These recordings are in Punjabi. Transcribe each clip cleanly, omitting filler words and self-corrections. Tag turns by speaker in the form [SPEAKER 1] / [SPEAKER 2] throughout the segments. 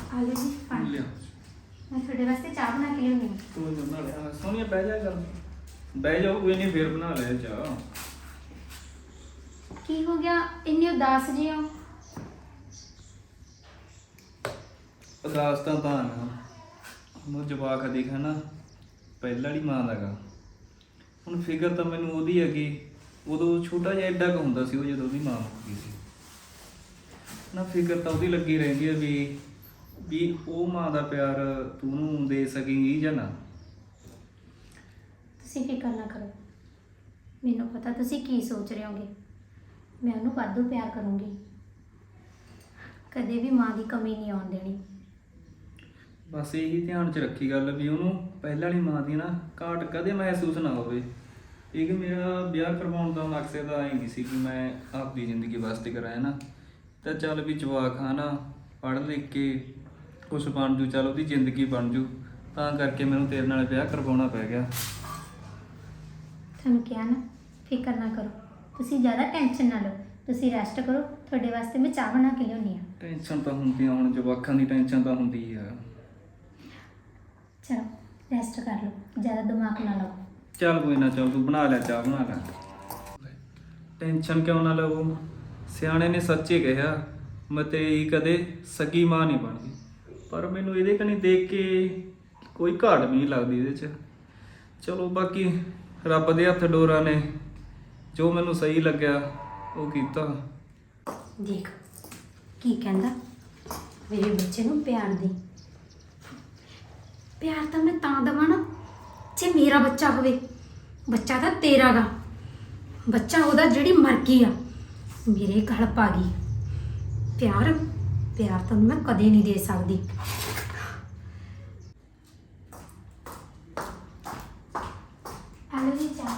[SPEAKER 1] ਆਲੂ ਜੀ ਪਾਣੀ
[SPEAKER 2] ਲਿਆ
[SPEAKER 1] ਮੈਂ ਤੁਹਾਡੇ ਵਾਸਤੇ ਚਾਹ ਬਣਾ ਕੇ ਲਿਆਉਣੀ
[SPEAKER 2] ਤੂੰ ਬਣਾ ਲਿਆ ਸੋਨੀਆ ਬਹਿ ਜਾ ਕਰ ਬਹਿ ਜਾਓ ਕੋਈ ਨਹੀਂ ਫੇਰ ਬਣਾ ਲਿਆ ਚਾਹ
[SPEAKER 1] ਕੀ ਹੋ ਗਿਆ ਇੰਨੇ ਉਦਾਸ ਜਿਹੇ ਹੋ?
[SPEAKER 2] ਉਦਾਸ ਤਾਂ ਨਾ ਹੁਣ ਜਵਾਕ ਦੇਖਾ ਨਾ ਪਹਿਲਾਂ ਵਾਲੀ ਮਾਂ ਦਾਗਾ ਹੁਣ ਫਿਕਰ ਤਾਂ ਮੈਨੂੰ ਉਹਦੀ ਹੈਗੀ ਉਦੋਂ ਛੋਟਾ ਜਿਹਾ ਐਡਾ ਕੁ ਹੁੰਦਾ ਸੀ ਉਹ ਜਦੋਂ ਉਹਦੀ ਮਾਂ ਮੁੱਕੀ ਸੀ ਨਾ ਫਿਕਰ ਤਾਂ ਉਹਦੀ ਲੱਗੀ ਰਹਿੰਦੀ ਹੈ ਵੀ ਉਹ ਮਾਂ ਦਾ ਪਿਆਰ ਤੂੰ ਨੂੰ ਦੇ ਸਕੇਂਗੀ ਜਾਂ ਨਾ।
[SPEAKER 1] ਤੁਸੀਂ ਫਿਕਰ ਨਾ ਕਰੋ ਮੈਨੂੰ ਪਤਾ ਤੁਸੀਂ ਕੀ ਸੋਚ ਰਹੇ ਹੋਗੇ ਮੈਂ ਉਹਨੂੰ ਵਾਧੂ ਪਿਆਰ ਕਰੂੰਗੀ ਕਦੇ ਵੀ ਮਾਂ ਦੀ ਕਮੀ ਨਹੀਂ ਆਉਣ ਦੇਣੀ।
[SPEAKER 2] ਬਸ ਇਹੀ ਧਿਆਨ 'ਚ ਰੱਖੀ ਗੱਲ ਵੀ ਉਹਨੂੰ ਪਹਿਲਾਂ ਵਾਲੀ ਮਾਂ ਦੀ ਨਾ ਘਾਟ ਕਦੇ ਮਹਿਸੂਸ ਨਾ ਹੋਵੇ। ਇਹ ਕਿ ਮੇਰਾ ਵਿਆਹ ਕਰਵਾਉਣ ਦਾ ਮਕਸਦ ਤਾਂ ਇਹ ਨਹੀਂ ਸੀ ਕਿ ਮੈਂ ਆਪਦੀ ਜ਼ਿੰਦਗੀ ਵਾਸਤੇ ਕਰਾਇਆ ਨਾ ਤਾਂ ਚੱਲ ਵੀ ਜਵਾਕ ਹਾਂ ਨਾ ਪੜ੍ਹ ਲਿਖ ਕੇ ਕੁਛ ਬਣ ਜੂ ਚੱਲ ਉਹਦੀ ਜ਼ਿੰਦਗੀ ਬਣ ਜੂ ਤਾਂ ਕਰਕੇ ਮੈਨੂੰ ਤੇਰੇ ਨਾਲ ਵਿਆਹ ਕਰਵਾਉਣਾ ਪੈ ਗਿਆ।
[SPEAKER 1] ਤੁਹਾਨੂੰ ਕਿਹਾ ਨਾ ਫਿਕਰ ਨਾ ਕਰੋ ਤੁਸੀਂ ਜ਼ਿਆਦਾ ਟੈਨਸ਼ਨ ਨਾ ਲਓ ਤੁਸੀਂ ਰੈਸਟ ਕਰੋ ਤੁਹਾਡੇ ਵਾਸਤੇ ਮੈਂ ਚਾਹ ਬਣਾ ਕੇ ਲਿਆਉਣੀ ਆ।
[SPEAKER 2] ਟੈਨਸ਼ਨ ਤਾਂ ਹੁੰਦੀ ਆ ਹੁਣ ਜਵਾਕਾਂ ਦੀ ਟੈਨਸ਼ਨ ਤਾਂ ਹੁੰਦੀ ਆ।
[SPEAKER 1] ਚਲੋ ਰੈਸਟ ਕਰ ਲਓ ਜ਼ਿਆਦਾ ਦਿਮਾਗ ਨਾ ਲਾਓ।
[SPEAKER 2] ਚੱਲ ਕੋਈ ਨਾ ਚੱਲ ਤੂੰ ਬਣਾ ਲੈ ਚਾਹ ਬਣਾ ਲੈ ਟੈਨਸ਼ਨ ਕਿਉਂ ਨਾ ਲਵੋ ਸਿਆਣੇ ਨੇ ਸੱਚੇ ਕਿਹਾ ਮਤੇਈ ਕਦੇ ਸਗੀ ਮਾਂ ਨਹੀਂ ਬਣਦੀ ਪਰ ਮੈਨੂੰ ਇਹਦੇ ਕਨੀ ਦੇਖ ਕੇ ਕੋਈ ਘਾਟ ਵੀ ਨਹੀਂ ਲੱਗਦੀ ਇਹਦੇ 'ਚ। ਚਲੋ ਬਾਕੀ ਰੱਬ ਦੇ ਹੱਥ ਡੋਰਾ ਨੇ ਜੋ ਮੈਨੂੰ ਸਹੀ ਲੱਗਿਆ ਉਹ ਕੀਤਾ।
[SPEAKER 1] ਦੇਖ ਕੀ ਕਹਿੰਦਾ ਮੇਰੇ ਬੱਚੇ ਨੂੰ ਪਿਆਰ ਦੇ ਪਿਆਰ ਤਾਂ ਮੈਂ ਤਾਂ ਦੇਵਾਂ ਨਾ ਜੇ ਮੇਰਾ ਬੱਚਾ ਹੋਵੇ ਬੱਚਾ ਤਾਂ ਤੇਰਾ ਗਾ ਬੱਚਾ ਉਹਦਾ ਜਿਹੜੀ ਮਰਜ਼ੀ ਆ ਮੇਰੇ ਗਲ ਪਾ ਗਈ ਪਿਆਰ ਪਿਆਰ ਤਾਂ ਮੈਂ ਕਦੇ ਨਹੀਂ ਦੇ ਸਕਦੀ। ਆਲੂ ਜੀ ਚਾਹ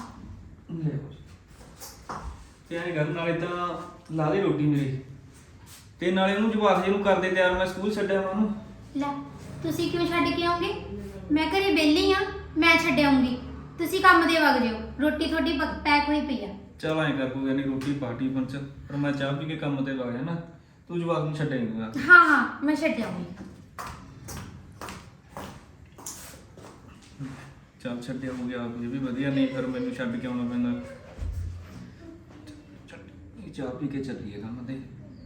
[SPEAKER 2] ਤੇ ਐਂ ਗੱਲ ਨਾਲੇ ਤਾਂ ਲਾ ਦੇ ਰੋਟੀ ਮੇਰੀ ਤੇ ਨਾਲੇ ਉਹਨੂੰ ਜਵਾਕ ਜਿਹਨੂੰ ਕਰਦੇ ਤਿਆਰ ਮੈਂ ਸਕੂਲ ਛੱਡਿਆ ਉਹਨੂੰ।
[SPEAKER 1] ਲੈ ਤੁਸੀਂ ਕਿਉਂ ਛੱਡ ਕੇ ਆਉਂਗੇ ਮੈਂ ਘਰੇ ਵਿਹਲੀ ਆ ਮੈਂ ਛੱਡ ਆਉਂਗੀ ਤੁਸੀਂ ਕੰਮ ਦੇ ਵਗ ਜਿਓ ਰੋਟੀ ਤੁਹਾਡੀ ਪੈਕ ਹੋਈ ਪਈ ਆ।
[SPEAKER 2] ਚਲ ਐਂ ਕਰ ਕੋਈ ਨਹੀਂ ਰੋਟੀ ਪਾਰਟੀ ਪੰਚ ਪਰ ਮੈਂ ਚਾਹ ਪੀ ਕੇ ਕੰਮ ਤੇ ਵਗ ਜਾਣਾ ਤੂੰ ਜਵਾਕ ਨੂੰ ਛੱਡੇਂਗਾ।
[SPEAKER 1] ਹਾਂ ਹਾਂ ਮੈਂ ਛੱਡ ਆਉਂਗੀ।
[SPEAKER 2] ਚੱਲ ਛੱਡਿਆ ਹੋ ਗਿਆ ਇਹ ਵੀ ਵਧੀਆ ਨਹੀਂ ਫਿਰ ਮੈਨੂੰ ਛੱਡ ਕੇ ਆਉਣਾ ਪੈਂਦਾ। ਇਹ ਚਾਹ ਪੀ ਕੇ ਚੱਲੀਏ ਕੰਮ ਤੇ।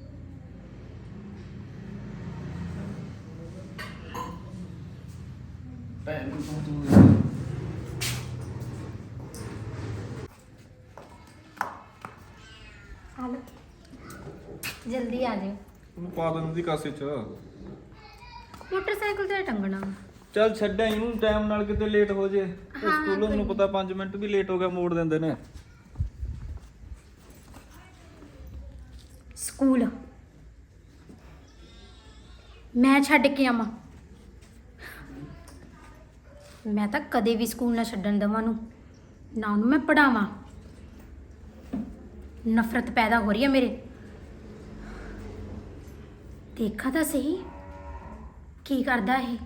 [SPEAKER 2] ਭੈਣ ਨੂੰ ਤੂੰ
[SPEAKER 1] ਆਲੋ ਜਲਦੀ ਆ ਜਾਓ
[SPEAKER 2] ਉਹਨੂੰ ਪਾ ਦਿੰਦੀ ਕਾਸੇ ਚ।
[SPEAKER 1] ਮੋਟਰਸਾਈਕਲ ਤੇ ਟੰਗਣਾ
[SPEAKER 2] ਚੱਲ ਛੱਡਿਆ ਇਹਨੂੰ ਟਾਈਮ ਨਾਲ ਕਿਤੇ ਲੇਟ ਹੋ ਜੇ
[SPEAKER 1] ਹਾਂ,
[SPEAKER 2] ਸਕੂਲੋਂ
[SPEAKER 1] ਕੋਈ
[SPEAKER 2] ਮੈਨੂੰ ਪਤਾ 5 ਮਿੰਟ ਵੀ ਲੇਟ ਹੋ ਗਿਆ ਮੋੜ ਦਿੰਦੇ ਨੇ।
[SPEAKER 1] ਸਕੂਲ ਮੈਂ ਛੱਡ ਕੇ ਆਵਾਂ ਮੈਂ ਤਾਂ ਕਦੇ ਵੀ ਸਕੂਲ ਨਾ ਛੱਡਣ ਦੇਵਾਂ ਨੂੰ ਨਾ ਉਹਨੂੰ ਮੈਂ ਪੜਾਵਾਂ ਨਫ਼ਰਤ ਪੈਦਾ ਹੋ ਰਹੀ ਹੈ ਮੇਰੇ। ਦੇਖਾ ਤਾਂ ਸਹੀ ਕੀ ਕਰਦਾ ਇਹ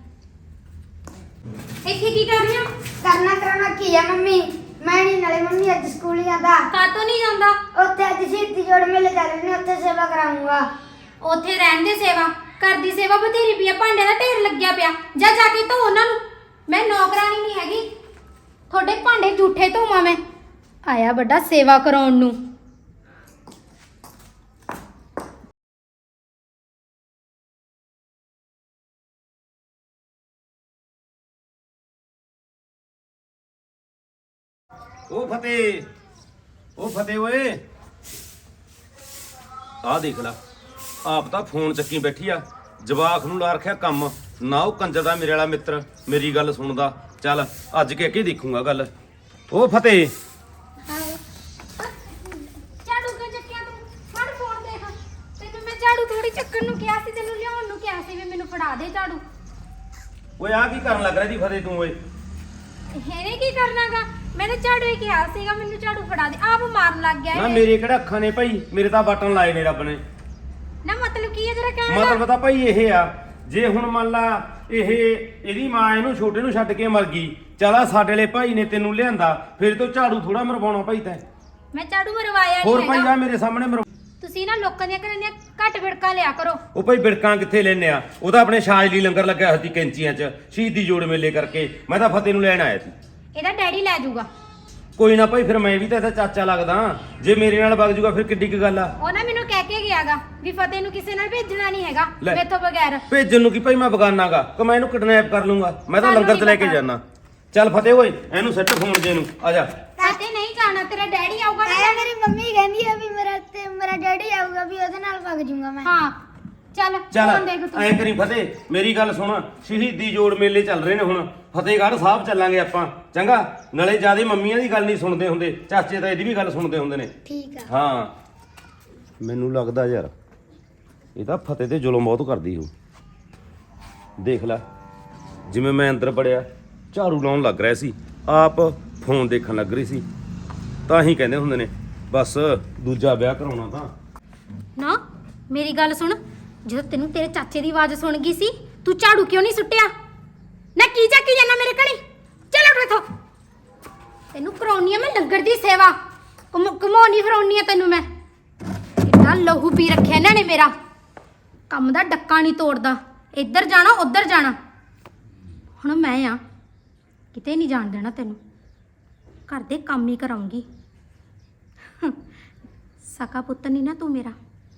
[SPEAKER 1] ਇੱਥੇ ਕੀ ਕਰ ਰਿਹਾ
[SPEAKER 3] ਕਰਨਾ ਕਰਾਉਣਾ ਕੀ ਆ ਮੰਮੀ ਮੈਂ ਨਹੀਂ ਨਾਲੇ ਮੰਮੀ ਅੱਜ ਸਕੂਲ ਹੀ ਜਾਂਦਾ
[SPEAKER 1] ਕਾਤੋਂ ਨਹੀਂ ਜਾਂਦਾ
[SPEAKER 3] ਉੱਥੇ ਅੱਜ ਸ਼ਹੀਦੀ ਜੋੜ ਮੇਲੇ ਚੱਲ ਰਹੇ ਨੇ ਉੱਥੇ ਸੇਵਾ ਕਰਾਉਂਗਾ।
[SPEAKER 1] ਉੱਥੇ ਰਹਿਣ ਦੇ ਸੇਵਾ ਘਰ ਦੀ ਸੇਵਾ ਬਥੇਰੀ ਪਈ ਆ ਭਾਂਡੇ ਦਾ ਢੇਰ ਲੱਗਿਆ ਪਿਆ ਜਾ ਜਾ ਕੇ ਧੋ ਉਹਨਾਂ ਨੂੰ ਮੈਂ ਨੌਕਰਾਨੀ ਨਹੀਂ ਹੈਗੀ ਤੁਹਾਡੇ ਭਾਂਡੇ ਝੂਠੇ ਧੋਵਾਂ ਮੈਂ ਆਇਆ ਵੱਡਾ ਸੇਵਾ ਕਰਾਉਣ ਨੂੰ।
[SPEAKER 4] ਉਹ ਫਤਿਹ ਓਏ ਆਹ ਦੇਖ ਲਾ ਆਪ ਤਾਂ ਫੋਨ ਚੱਕੀ ਬੈਠੀ ਆ ਜਵਾਕ ਨੂੰ ਲਾ ਰੱਖਿਆ ਕੰਮ ਨਾ ਉਹ ਕੰਜਰ ਦਾ ਮੇਰੇ ਵਾਲਾ ਮਿੱਤਰ ਮੇਰੀ ਗੱਲ ਸੁਣਦਾ ਚੱਲ ਅੱਜ ਕੇ ਅੱਗੇ ਦੇਖੂਗਾ ਗੱਲ। ਉਹ ਫਤਿਹ
[SPEAKER 1] ਝਾੜੂ ਕਿਉਂ ਚੱਕਿਆ ਤੂੰ ਫੜ ਫੋਨ ਦੇਖ ਤੈਨੂੰ ਮੈਂ ਝਾੜੂ ਥੋੜੀ ਚੱਕਣ ਨੂੰ ਕਿਹਾ ਸੀ ਤੈਨੂੰ ਲਿਆਉਣ ਨੂੰ ਕਿਹਾ ਸੀ ਵੀ ਮੈਨੂੰ ਫੜਾ ਦੇ ਝਾੜੂ।
[SPEAKER 4] ਓਏ ਆ ਕੀ ਕਰਨ ਲੱਗ ਰਿਹਾ ਜੀ ਫਤਿਹ ਤੂੰ ਓਏ।
[SPEAKER 1] ਇਹਨੇ ਕੀ ਕਰਨਾਗਾ ਮੈਂ ਤਾਂ ਝਾੜੂ ਹੀ ਕਿਹਾ ਸੀਗਾ ਮੈਨੂੰ ਝਾੜੂ ਫੜਾ ਦੇ ਆਪ ਮਾਰਨ ਲੱਗ ਗਿਆ
[SPEAKER 4] ਨਾ
[SPEAKER 1] ਇਹ।
[SPEAKER 4] ਮੇਰੇ ਕਿਹੜਾ ਅੱਖਾਂ ਨੇ ਭਾਈ ਮੇਰੇ ਤਾਂ ਬਟਨ ਲਾਏ ਨੇ ਰੱਬ ਨੇ।
[SPEAKER 1] ਨਾ ਮਤਲਬ ਕੀ ਹੈ ਤੇਰਾ ਕਹਿਣ ਦਾ
[SPEAKER 4] ਮਤਲਬ ਤਾਂ ਭਾਈ ਇਹ ਆ ਜੇ ਹੁਣ ਮੰਨ ਲਾ ਇਹਦੀ ਮਾਂ ਇਹਨੂੰ ਛੋਟੇ ਨੂੰ ਛੱਡ ਕੇ ਮਰ ਗਈ ਚੱਲ ਆ ਸਾਡੇ ਵਾਲੇ ਭਾਈ ਨੇ ਤੈਨੂੰ ਲਿਆਂਦਾ ਫਿਰ ਤੋਂ ਝਾੜੂ ਥੋੜਾ ਮਰਵਾਉਣਾ ਭਾਈ ਤੈਂ
[SPEAKER 1] ਮੈਂ ਝਾੜੂ ਮਰਵਾਇਆ
[SPEAKER 4] ਹੋਰ
[SPEAKER 1] ਨਹੀਂ
[SPEAKER 4] ਭਾਈ
[SPEAKER 1] ਹੈਗਾ
[SPEAKER 4] ਆ ਮੇਰੇ ਸਾਹਮਣੇ
[SPEAKER 1] ਤੁਸੀਂ ਨਾ ਲੋਕਾਂ ਦੀਆਂ ਘਰਾਂ ਦੀਆਂ ਘੱਟ ਵਿੜਕਾ ਲਿਆ ਕਰੋ।
[SPEAKER 4] ਉਹ ਭਾਈ ਬਿੜਕਾਂ ਕਿੱਥੇ ਲੈਨੇ ਆ? ਉਹ ਤਾਂ ਆਪਣੇ ਸ਼ਾਜ ਲਈ ਲੰਗਰ ਲੱਗਿਆ ਹੋਇਆ ਸੀ ਕੈਂਚੀਆਂ 'ਚ ਸ਼ਹੀਦੀ ਜੋੜ ਮੇਲੇ ਕਰਕੇ। ਮੈਂ ਤਾਂ ਫਤਿਹ ਨੂੰ ਲੈਣ ਆਇਆ ਸੀ।
[SPEAKER 1] ਇਹਦਾ ਡੈਡੀ ਲੈ ਜਾਊਗਾ।
[SPEAKER 4] ਕੋਈ ਨਾ ਭਾਈ, ਫਿਰ ਮੈਂ ਵੀ ਤਾਂ ਇਹਦਾ ਚਾਚਾ ਲੱਗਦਾ। ਜੇ ਮੇਰੇ ਨਾਲ ਵਗ ਜੂਗਾ ਫਿਰ ਕਿੱਡੀ ਕੁ ਗੱਲ ਆ।
[SPEAKER 1] ਉਹ ਨਾ ਮੈਨੂੰ ਕਹਿ ਕੇ ਗਿਆਗਾ ਵੀ ਫਤਿਹ ਨੂੰ ਕਿਸੇ ਨਾਲ ਭੇਜਣਾ ਨਹੀਂ ਹੈਗਾ
[SPEAKER 4] ਲੈ।
[SPEAKER 1] ਮੇਥੋਂ ਬਗੈਰ।
[SPEAKER 4] ਭੇਜਣ ਨੂੰ ਕੀ ਭਾਈ, ਮੈਂ ਬਗਾਨਾਗਾ ਕਿ ਮੈਂ ਇਹਨੂੰ ਕਿਡਨੈਪ ਕਰ ਲੂੰਗਾ? ਮੈਂ ਤਾਂ
[SPEAKER 1] ਸਾਨੂੰ
[SPEAKER 4] ਲੰਗਰ 'ਚ ਲੈ
[SPEAKER 1] ਨਹੀਂ
[SPEAKER 4] ਕੇ
[SPEAKER 1] ਪਤਾ।
[SPEAKER 4] ਜਾਣਾ। ਚੱਲ ਫਤਿਹ ਓਏ, ਇਹਨੂੰ ਸੱਟ ਫੋਨ ਜੇ ਨੂੰ, ਆ ਜਾ।
[SPEAKER 1] ਫਤਿਹ ਨਹੀਂ ਜਾਣਾ, ਤੇਰਾ ਡੈਡੀ ਆਊਗਾ ਨਾ।
[SPEAKER 3] ਐ ਮੇਰੀ ਮੰਮੀ ਕਹਿੰਦੀ ਆ ਵੀ ਮੇਰਾ ਡੈਡੀ ਆਊਗਾ ਵੀ ਉਹਦੇ ਨਾਲ ਵਗ ਜਾਊਂਗਾ ਮੈਂ।
[SPEAKER 1] ਹਾਂ ਚੱਲ
[SPEAKER 4] ਚੱਲ
[SPEAKER 1] ਫੋਨ ਦੇਖ ਤੂੰ।
[SPEAKER 4] ਐਂ ਕਰੀ ਫਤਿਹ, ਮੇਰੀ ਗੱਲ ਸੁਣ। ਸ਼ਹੀਦੀ ਜੋੜ ਮੇਲੇ ਚੱਲ ਰਹੇ ਨੇ ਹੁਣ, ਫਤਿਹਗੜ੍ਹ ਸਾਹਿਬ ਚੱਲਾਂਗੇ ਆਪਾਂ, ਚੰਗਾ? ਨਾਲੇ ਜਿਆਦੇ ਮੰਮੀਆਂ ਦੀ ਗੱਲ ਨਹੀਂ ਸੁਣਦੇ ਹੁੰਦੇ, ਚਾਚੇ ਤਾਂ ਇਹਦੀ ਵੀ ਗੱਲ ਸੁਣਦੇ ਹੁੰਦੇ ਨੇ।
[SPEAKER 3] ਠੀਕ ਆ।
[SPEAKER 4] ਹਾਂ ਮੈਨੂੰ ਲੱਗਦਾ ਯਾਰ ਇਹ ਤਾਂ ਫਤਿਹ ਤੇ ਜ਼ੁਲਮ ਬਹੁਤ ਕਰਦੀ ਹੋ। ਦੇਖ ਲੈ, ਜਿਵੇਂ ਮੈਂ ਅੰਦਰ ਵੜਿਆ ਝਾੜੂ ਲਾਉਣ ਲੱਗ ਰਿਹਾ ਸੀ, ਆਪ ਫੋਨ ਦੇਖਣ ਲੱਗ ਰਹੀ ਸੀ। ਤਾਂ ਹੀ ਕਹਿੰਦੇ ਹੁੰਦੇ ਨੇ ਬਸ ਦੂਜਾ ਵਿਆਹ ਕਰਾਉਣਾ ਤਾਂ।
[SPEAKER 1] ਨਾ ਮੇਰੀ ਗੱਲ ਸੁਣ, ਜਦੋਂ ਤੈਨੂੰ ਤੇਰੇ ਚਾਚੇ ਦੀ ਆਵਾਜ਼ ਸੁਣ ਗਈ ਸੀ, ਤੂੰ ਝਾੜੂ ਕਿਉਂ ਨਹੀਂ ਸੁੱਟਿਆ? ਨਾ ਕੀ ਚੱਕੀ ਜਾਂਦਾ ਮੇਰੇ ਕਣੀ? ਚੱਲ ਉੱਠ ਇੱਥੋਂ। ਤੈਨੂੰ ਕਰਾਉਣੀ ਆ ਮੈਂ ਲੰਗਰ ਦੀ ਸੇਵਾ, ਘਮਾਉਣੀ ਫਰਾਉਣੀ ਆ ਤੈਨੂੰ ਮੈਂ। ਕਿੰਨਾ ਲਹੂ ਪੀ ਰੱਖਿਆ ਇਹਨਾਂ ਨੇ ਮੇਰਾ, ਕੰਮ ਦਾ ਡੱਕਾ ਨਹੀਂ ਤੋੜਦਾ। ਇੱਧਰ ਜਾਣਾ ਉੱਧਰ ਜਾਣਾ। ਹੁਣ ਮੈਂ ਆ ਕਿਤੇ ਨਹੀਂ ਜਾਣ ਦੇਣਾ ਤੈਨੂੰ, ਘਰ ਦੇ ਕੰਮ ਹੀ ਕਰਾਉਂਗੀ। ਸਕਾ ਪੁੱਤ ਨਹੀਂ ਨਾ ਤੂੰ ਮੇਰਾ।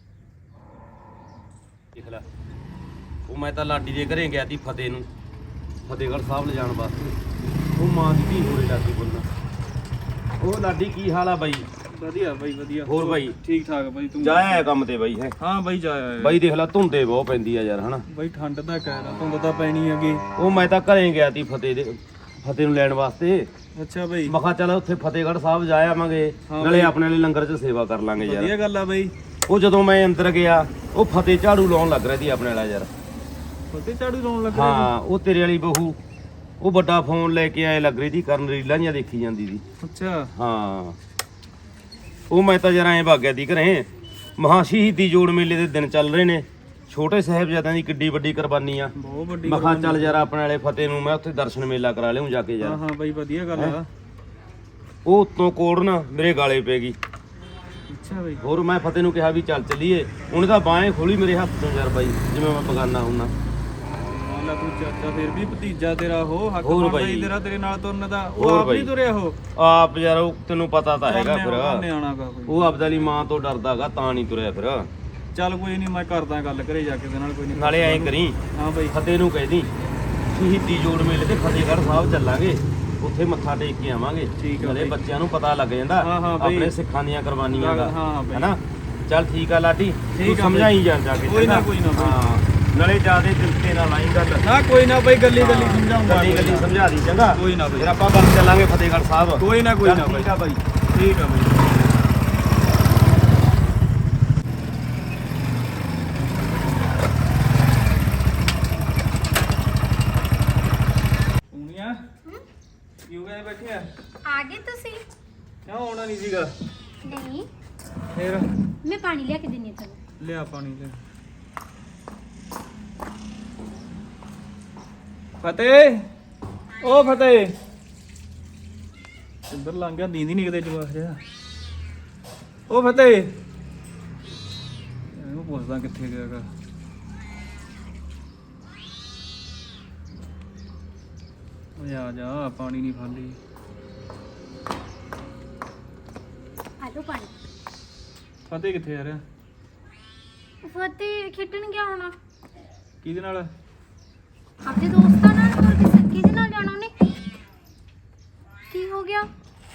[SPEAKER 4] ਦੇਖ ਲੈ, ਉਹ ਮੈਂ ਤਾਂ ਲਾਡੀ ਦੇ ਘਰੇ ਗਿਆ ਸੀ ਫਤਿਹ ਨੂੰ ਫਤਿਹਗੜ੍ਹ ਸਾਹਿਬ ਲਿਜਾਣ ਵਾਸਤੇ। ਉਹ ਮਾਂ ਦੀ ਧੀ ਹੋਰੇ ਲਾਡੀ ਬੋਲਣਾ। ਉਹ ਲਾਡੀ ਕੀ ਹਾਲ ਆ ਬਾਈ?
[SPEAKER 2] ਵਧੀਆ ਬਾਈ ਵਧੀਆ।
[SPEAKER 4] ਹੋਰ ਬਾਈ?
[SPEAKER 2] ਠੀਕ ਠਾਕ ਬਾਈ। ਤੂੰ
[SPEAKER 4] ਜਾਇਆ ਕੰਮ ਤੇ ਬਾਈ? ਹੈ
[SPEAKER 2] ਹਾਂ ਬਾਈ ਜਾਇਆ
[SPEAKER 4] ਬਾਈ। ਦੇਖ ਲੈ ਧੁੰਦੇ ਬਹੁਤ ਪੈਂਦੀ ਆ ਯਾਰ, ਹਨਾ
[SPEAKER 2] ਬਾਈ? ਠੰਡ ਦਾ ਕਹਿ ਰਹਾ, ਧੁੰਦ ਤਾਂ ਪੈਣੀ ਹੈਗੀ।
[SPEAKER 4] ਉਹ ਮੈਂ ਤਾਂ ਘਰੇ ਗਿਆ ਸੀ ਫਤਿਹ ਨੂੰ ਲੈਣ ਵਾਸਤੇ।
[SPEAKER 2] ਅੱਛਾ ਬਾਈ,
[SPEAKER 4] ਮੈਂ ਕਿਹਾ ਚੱਲ ਉੱਥੇ ਫਤਿਹਗੜ੍ਹ ਸਾਹਿਬ ਜਾ ਆਵਾਂਗੇ,
[SPEAKER 2] ਹਾਂ
[SPEAKER 4] ਨਾਲੇ
[SPEAKER 2] ਬਾਈ।
[SPEAKER 4] ਆਪਣੇ ਵਾਲੇ ਲੰਗਰ 'ਚ ਸੇਵਾ ਕਰ ਲਾਂਗੇ
[SPEAKER 2] ਵਧੀਆ
[SPEAKER 4] ਯਾਰ।
[SPEAKER 2] ਗੱਲ ਆ ਬਾਈ।
[SPEAKER 4] ਉਹ ਜਦੋਂ ਮੈਂ ਅੰਦਰ ਗਿਆ, ਉਹ ਫਤਿਹ ਝਾੜੂ ਲਾਉਣ ਲੱਗ ਰਿਹਾ ਸੀ ਆਪਣੇ ਵਾਲਾ ਯਾਰ।
[SPEAKER 2] ਫਤਿਹ ਝਾੜੂ ਲਾਉਣ ਲੱਗਾ?
[SPEAKER 4] ਹਾਂ, ਉਹ ਤੇਰੇ ਵਾਲੀ ਬਹੂ ਉਹ ਵੱਡਾ ਫੋਨ ਲੈ ਕੇ ਆਏ ਲੱਗ ਰਹੀ ਸੀ, ਕਰਨ ਰੀਲਾਂ ਜਿਹੀਆਂ ਦੇਖੀ ਜਾਂਦੀ ਸੀ।
[SPEAKER 2] ਅੱਛਾ
[SPEAKER 4] ਹਾਂ, ਉਹ ਮੈਂ ਤਾਂ ਜਰਾ ਐਂ ਭੱਗ ਗਿਆ ਸੀ ਘਰੇ। ਮਹਾ ਸ਼ਹੀਦੀ ਜੋੜ ਮੇਲੇ ਦੇ ਦਿਨ ਚੱਲ ਰਹੇ ਨੇ, ਛੋਟੇ ਸਾਹਿਬਜ਼ਾਦਿਆਂ ਦੀ ਕਿੱਡੀ ਵੱਡੀ ਕੁਰਬਾਨੀ ਆ।
[SPEAKER 2] ਬਹੁਤ ਵੱਡੀ
[SPEAKER 4] ਮੈਂ ਕਿਹਾ ਚੱਲ ਯਾਰ ਆਪਣੇ ਵਾਲੇ ਫਤਿਹ ਨੂੰ ਮੈਂ ਉੱਥੇ ਦਰਸ਼ਨ ਮੇਲਾ ਕਰਾ ਲਿਆਉਂ ਜਾ ਕੇ
[SPEAKER 2] ਹਾਂ
[SPEAKER 4] ਯਾਰ।
[SPEAKER 2] ਹਾਂ ਬਾਈ ਵਧੀਆ ਗੱਲ ਆ।
[SPEAKER 4] ਉਹ ਉੱਤੋਂ ਕੋੜ ਨਾ ਮੇਰੇ ਗਾਲੇ ਪੈ ਗਈ।
[SPEAKER 2] ਅੱਛਾ ਬਾਈ।
[SPEAKER 4] ਹੋਰ ਮੈਂ ਫਤਿਹ ਨੂੰ ਕਿਹਾ ਵੀ ਚੱਲ ਚੱਲੀਏ, ਉਹਨੇ ਤਾਂ ਬਾहें ਖੋਲੀ ਮੇਰੇ ਹੱਥ ਤੋਂ ਯਾਰ ਬਾਈ, ਜਿਵੇਂ ਮੈਂ ਬਗਾਨਾ ਹੁੰਨਾ।
[SPEAKER 2] ਮਾਲਾ ਤੂੰ ਚਾਚਾ ਫਿਰ ਵੀ ਭਤੀਜਾ ਤੇਰਾ, ਉਹ ਹੱਕ
[SPEAKER 4] ਹੋਰ
[SPEAKER 2] ਬਣਦਾ
[SPEAKER 4] ਬਾਈ।
[SPEAKER 2] ਹੀ ਤੇਰਾ ਤੇਰੇ ਨਾਲ ਤੁਰਨ ਦਾ। ਉਹ
[SPEAKER 4] ਹੋਰ
[SPEAKER 2] ਆਪ ਨਹੀਂ
[SPEAKER 4] ਬਾਈ।
[SPEAKER 2] ਤੁਰਿਆ ਉਹ
[SPEAKER 4] ਆਪ ਯਾਰ ਉਹ ਤੈਨੂੰ ਪਤਾ ਤਾਂ ਹੈਗਾ ਫਿਰ,
[SPEAKER 2] ਨਿਆਣਾ ਗਾ ਕੋਈ।
[SPEAKER 4] ਉਹ ਆਪਦਾ ਲਈ ਮਾਂ ਤੋਂ ਡਰਦਾਗਾ ਤਾਂ ਨਹੀਂ ਤੁਰਿਆ ਫਿਰ।
[SPEAKER 2] ਚੱਲ ਕੋਈ ਨਹੀਂ, ਮੈਂ ਕਰਦਾ ਗੱਲ ਘਰੇ ਜਾ ਕੇ ਉਹਦੇ ਨਾਲ। ਕੋਈ ਨਹੀਂ,
[SPEAKER 4] ਨਾਲੇ ਐਂ ਕਰੀ
[SPEAKER 2] ਹਾਂ ਬਾਈ।
[SPEAKER 4] ਫਤਿਹ ਨੂੰ ਕਹਿ ਦੀ ਸ਼ਹੀਦੀ ਜੋੜ ਮੇਲੇ ਤੇ ਫਤਿਹਗੜ੍ਹ ਸਾਹਿਬ ਚੱਲਾਂਗੇ, ਉੱਥੇ ਮੱਥਾ ਟੇਕ ਕੇ ਆਵਾਂਗੇ।
[SPEAKER 2] ਠੀਕ ਆ
[SPEAKER 4] ਨਾਲੇ
[SPEAKER 2] ਬਾਈ।
[SPEAKER 4] ਬੱਚਿਆਂ ਨੂੰ ਪਤਾ ਲੱਗ ਜਾਂਦਾ
[SPEAKER 2] ਹਾਂ ਹਾਂ ਬਾਈ।
[SPEAKER 4] ਆਪਣੇ ਸਿੱਖਾਂ ਦੀਆਂ ਕੁਰਬਾਨੀਆਂ ਦਾ,
[SPEAKER 2] ਹਾਂ ਬਾਈ।
[SPEAKER 4] ਹੈਨਾ? ਚੱਲ ਠੀਕ ਆ ਲਾਡੀ, ਤੂੰ
[SPEAKER 2] ਠੀਕ ਆ
[SPEAKER 4] ਸਮਝਾਈ
[SPEAKER 2] ਬਾਈ।
[SPEAKER 4] ਜਾ ਕੇ।
[SPEAKER 2] ਕੋਈ ਨਾ,
[SPEAKER 4] ਚੰਗਾ?
[SPEAKER 2] ਕੋਈ ਨਾ ਬਾਈ।
[SPEAKER 4] ਹਾਂ, ਨਾਲੇ ਜਿਆਦੇ ਦਿਲ ਤੇ ਨਾ ਲਾਈ ਗੱਲ।
[SPEAKER 2] ਨਾ ਕੋਈ ਨਾ ਬਾਈ, ਗੱਲੀ ਗੱਲੀ ਸਮਝਾਉਂਗਾ।
[SPEAKER 4] ਗੱਲੀ ਗੱਲੀ ਸਮਝਾ ਦੀ, ਚੰਗਾ?
[SPEAKER 2] ਕੋਈ ਨਾ ਬਾਈ।
[SPEAKER 4] ਫਿਰ ਆਪਾਂ ਗੱਲ ਚੱਲਾਂਗੇ ਫਤਿਹਗੜ੍ਹ ਸਾਹਿਬ।
[SPEAKER 2] ਕੋਈ ਨਾ, ਕੋਈ
[SPEAKER 4] ਚੱਲ
[SPEAKER 2] ਨਾ
[SPEAKER 4] ਠੀਕ ਆ ਬਾਈ।
[SPEAKER 2] ਠੀਕ ਆ ਬਾਈ। ਪੂਨੀਆ ਕਿਉਂ ਗਏ ਬੈਠੇ ਆ?
[SPEAKER 1] ਆ ਗਏ ਤੁਸੀਂ?
[SPEAKER 2] ਕਿਉਂ ਆਉਣਾ ਨਹੀਂ ਸੀਗਾ?
[SPEAKER 1] ਨਹੀਂ,
[SPEAKER 2] ਫੇਰ
[SPEAKER 1] ਮੈਂ ਪਾਣੀ ਲਿਆ ਕੇ ਦਿੰਨੀ ਆ ਤੈਨੂੰ।
[SPEAKER 2] ਲਿਆ ਪਾਣੀ ਲੈ। ਫਤਿਹ, ਓ ਫਤਿਹ, ਇੱਧਰ ਲੰਘ ਗਿਆ, ਨੀਂਦ ਹੀ ਨਹੀਂ ਕਿਤੇ ਜਵਾਕ ਜਿਹਾ। ਓ ਫਤਿਹ, ਇਹਨੂੰ ਪੁੱਛਦਾ ਕਿੱਥੇ ਗਿਆ ਗਾ। ਓਏ ਆ ਜਾ, ਪਾਣੀ ਨਹੀਂ ਖਾਲੀ।
[SPEAKER 1] ਆ ਲਓ ਪਾਣੀ।
[SPEAKER 2] ਫਤਿਹ ਕਿੱਥੇ ਆ ਰਿਹਾ?
[SPEAKER 1] ਫਤਿਹ ਖੇਡਣ ਗਿਆ ਹੋਣਾ
[SPEAKER 2] ਕਿਹਦੇ ਨਾਲ?
[SPEAKER 1] ਆਪਣੇ ਦੋਸਤਾਂ ਨਾਲ, ਹੋਰ ਕਿਹਦੇ ਨਾਲ ਜਾਣਾ ਉਹਨੇ? ਕੀ ਹੋ ਗਿਆ?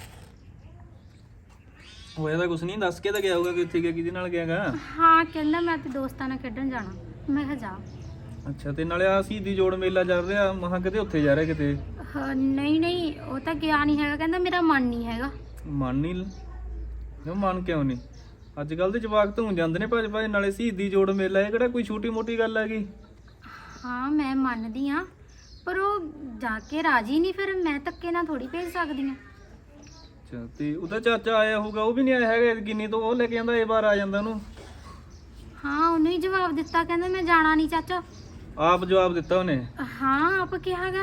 [SPEAKER 2] ਹੋਇਆ ਤਾਂ ਕੁਛ ਨਹੀਂ, ਦੱਸ ਕੇ ਤਾਂ ਗਿਆ ਹੋਊਗਾ ਕਿ ਇੱਥੇ ਗਿਆ, ਕਿਹਦੇ ਨਾਲ ਗਿਆਗਾ?
[SPEAKER 1] ਹਾਂ ਕਹਿੰਦਾ ਮੈਂ ਤੇ ਦੋਸਤਾਂ ਨਾਲ ਖੇਡਣ ਜਾਣਾ। ਮੈਂ ਕਿਹਾ ਜਾ।
[SPEAKER 2] ਅੱਛਾ, ਤੇ ਨਾਲੇ ਆ ਸ਼ਹੀਦੀ ਜੋੜ ਮੇਲਾ ਚੱਲ ਰਿਹਾ, ਮਹਾਂ ਕਿਤੇ ਉੱਥੇ ਜਾ ਰਿਹਾ ਕਿਤੇ?
[SPEAKER 1] ਨਹੀਂ ਨਹੀਂ, ਉਹ ਤਾਂ ਗਿਆ ਨਹੀਂ ਹੈਗਾ, ਕਹਿੰਦਾ ਮੇਰਾ ਮਨ ਨਹੀਂ ਹੈਗਾ।
[SPEAKER 2] ਮਨ ਨਹੀਂ? ਕਿਉਂ ਮਨ ਕਿਉਂ ਨਹੀਂ? ਅੱਜ ਕੱਲ ਦੇ ਜਵਾਕ ਧੂੰ ਜਾਂਦੇ ਨੇ ਭੱਜ ਭੱਜ, ਨਾਲੇ ਸ਼ਹੀਦੀ ਜੋੜ ਮੇਲਾ, ਇਹ ਕਿਹੜਾ ਕੋਈ ਛੋਟੀ ਮੋਟੀ ਗੱਲ ਹੈਗੀ?
[SPEAKER 1] ਹਾਂ ਮੈਂ ਮੰਨਦੀ ਆ, ਪਰ ਉਹ ਜਾ ਕੇ ਰਾਜੀ ਨਹੀਂ, ਫਿਰ ਮੈਂ ਧੱਕੇ ਨਾਲ ਥੋੜੀ ਭੇਜ ਸਕਦੀ ਆ।
[SPEAKER 2] ਅੱਛਾ, ਤੇ ਉਹਦਾ ਚਾਚਾ ਆਇਆ ਹੋਊਗਾ, ਉਹ ਵੀ ਨਹੀਂ ਆਇਆ ਹੈਗਾ ਕਿੰਨੀ ਤੋਂ, ਉਹ ਲੈ ਕੇ ਜਾਂਦਾ, ਇਹ ਵਾਰ ਆ ਜਾਂਦਾ ਉਹਨੂੰ।
[SPEAKER 1] ਹਾਂ ਉਹਨੂੰ ਹੀ ਜਵਾਬ ਦਿੱਤਾ, ਕਹਿੰਦਾ ਮੈਂ ਜਾਣਾ ਨਹੀਂ ਚਾਚਾ।
[SPEAKER 2] ਆਪ ਜਵਾਬ ਦਿੱਤਾ ਉਹਨੇ?
[SPEAKER 1] ਹਾਂ ਆਪ ਕਿਹਾਗਾ।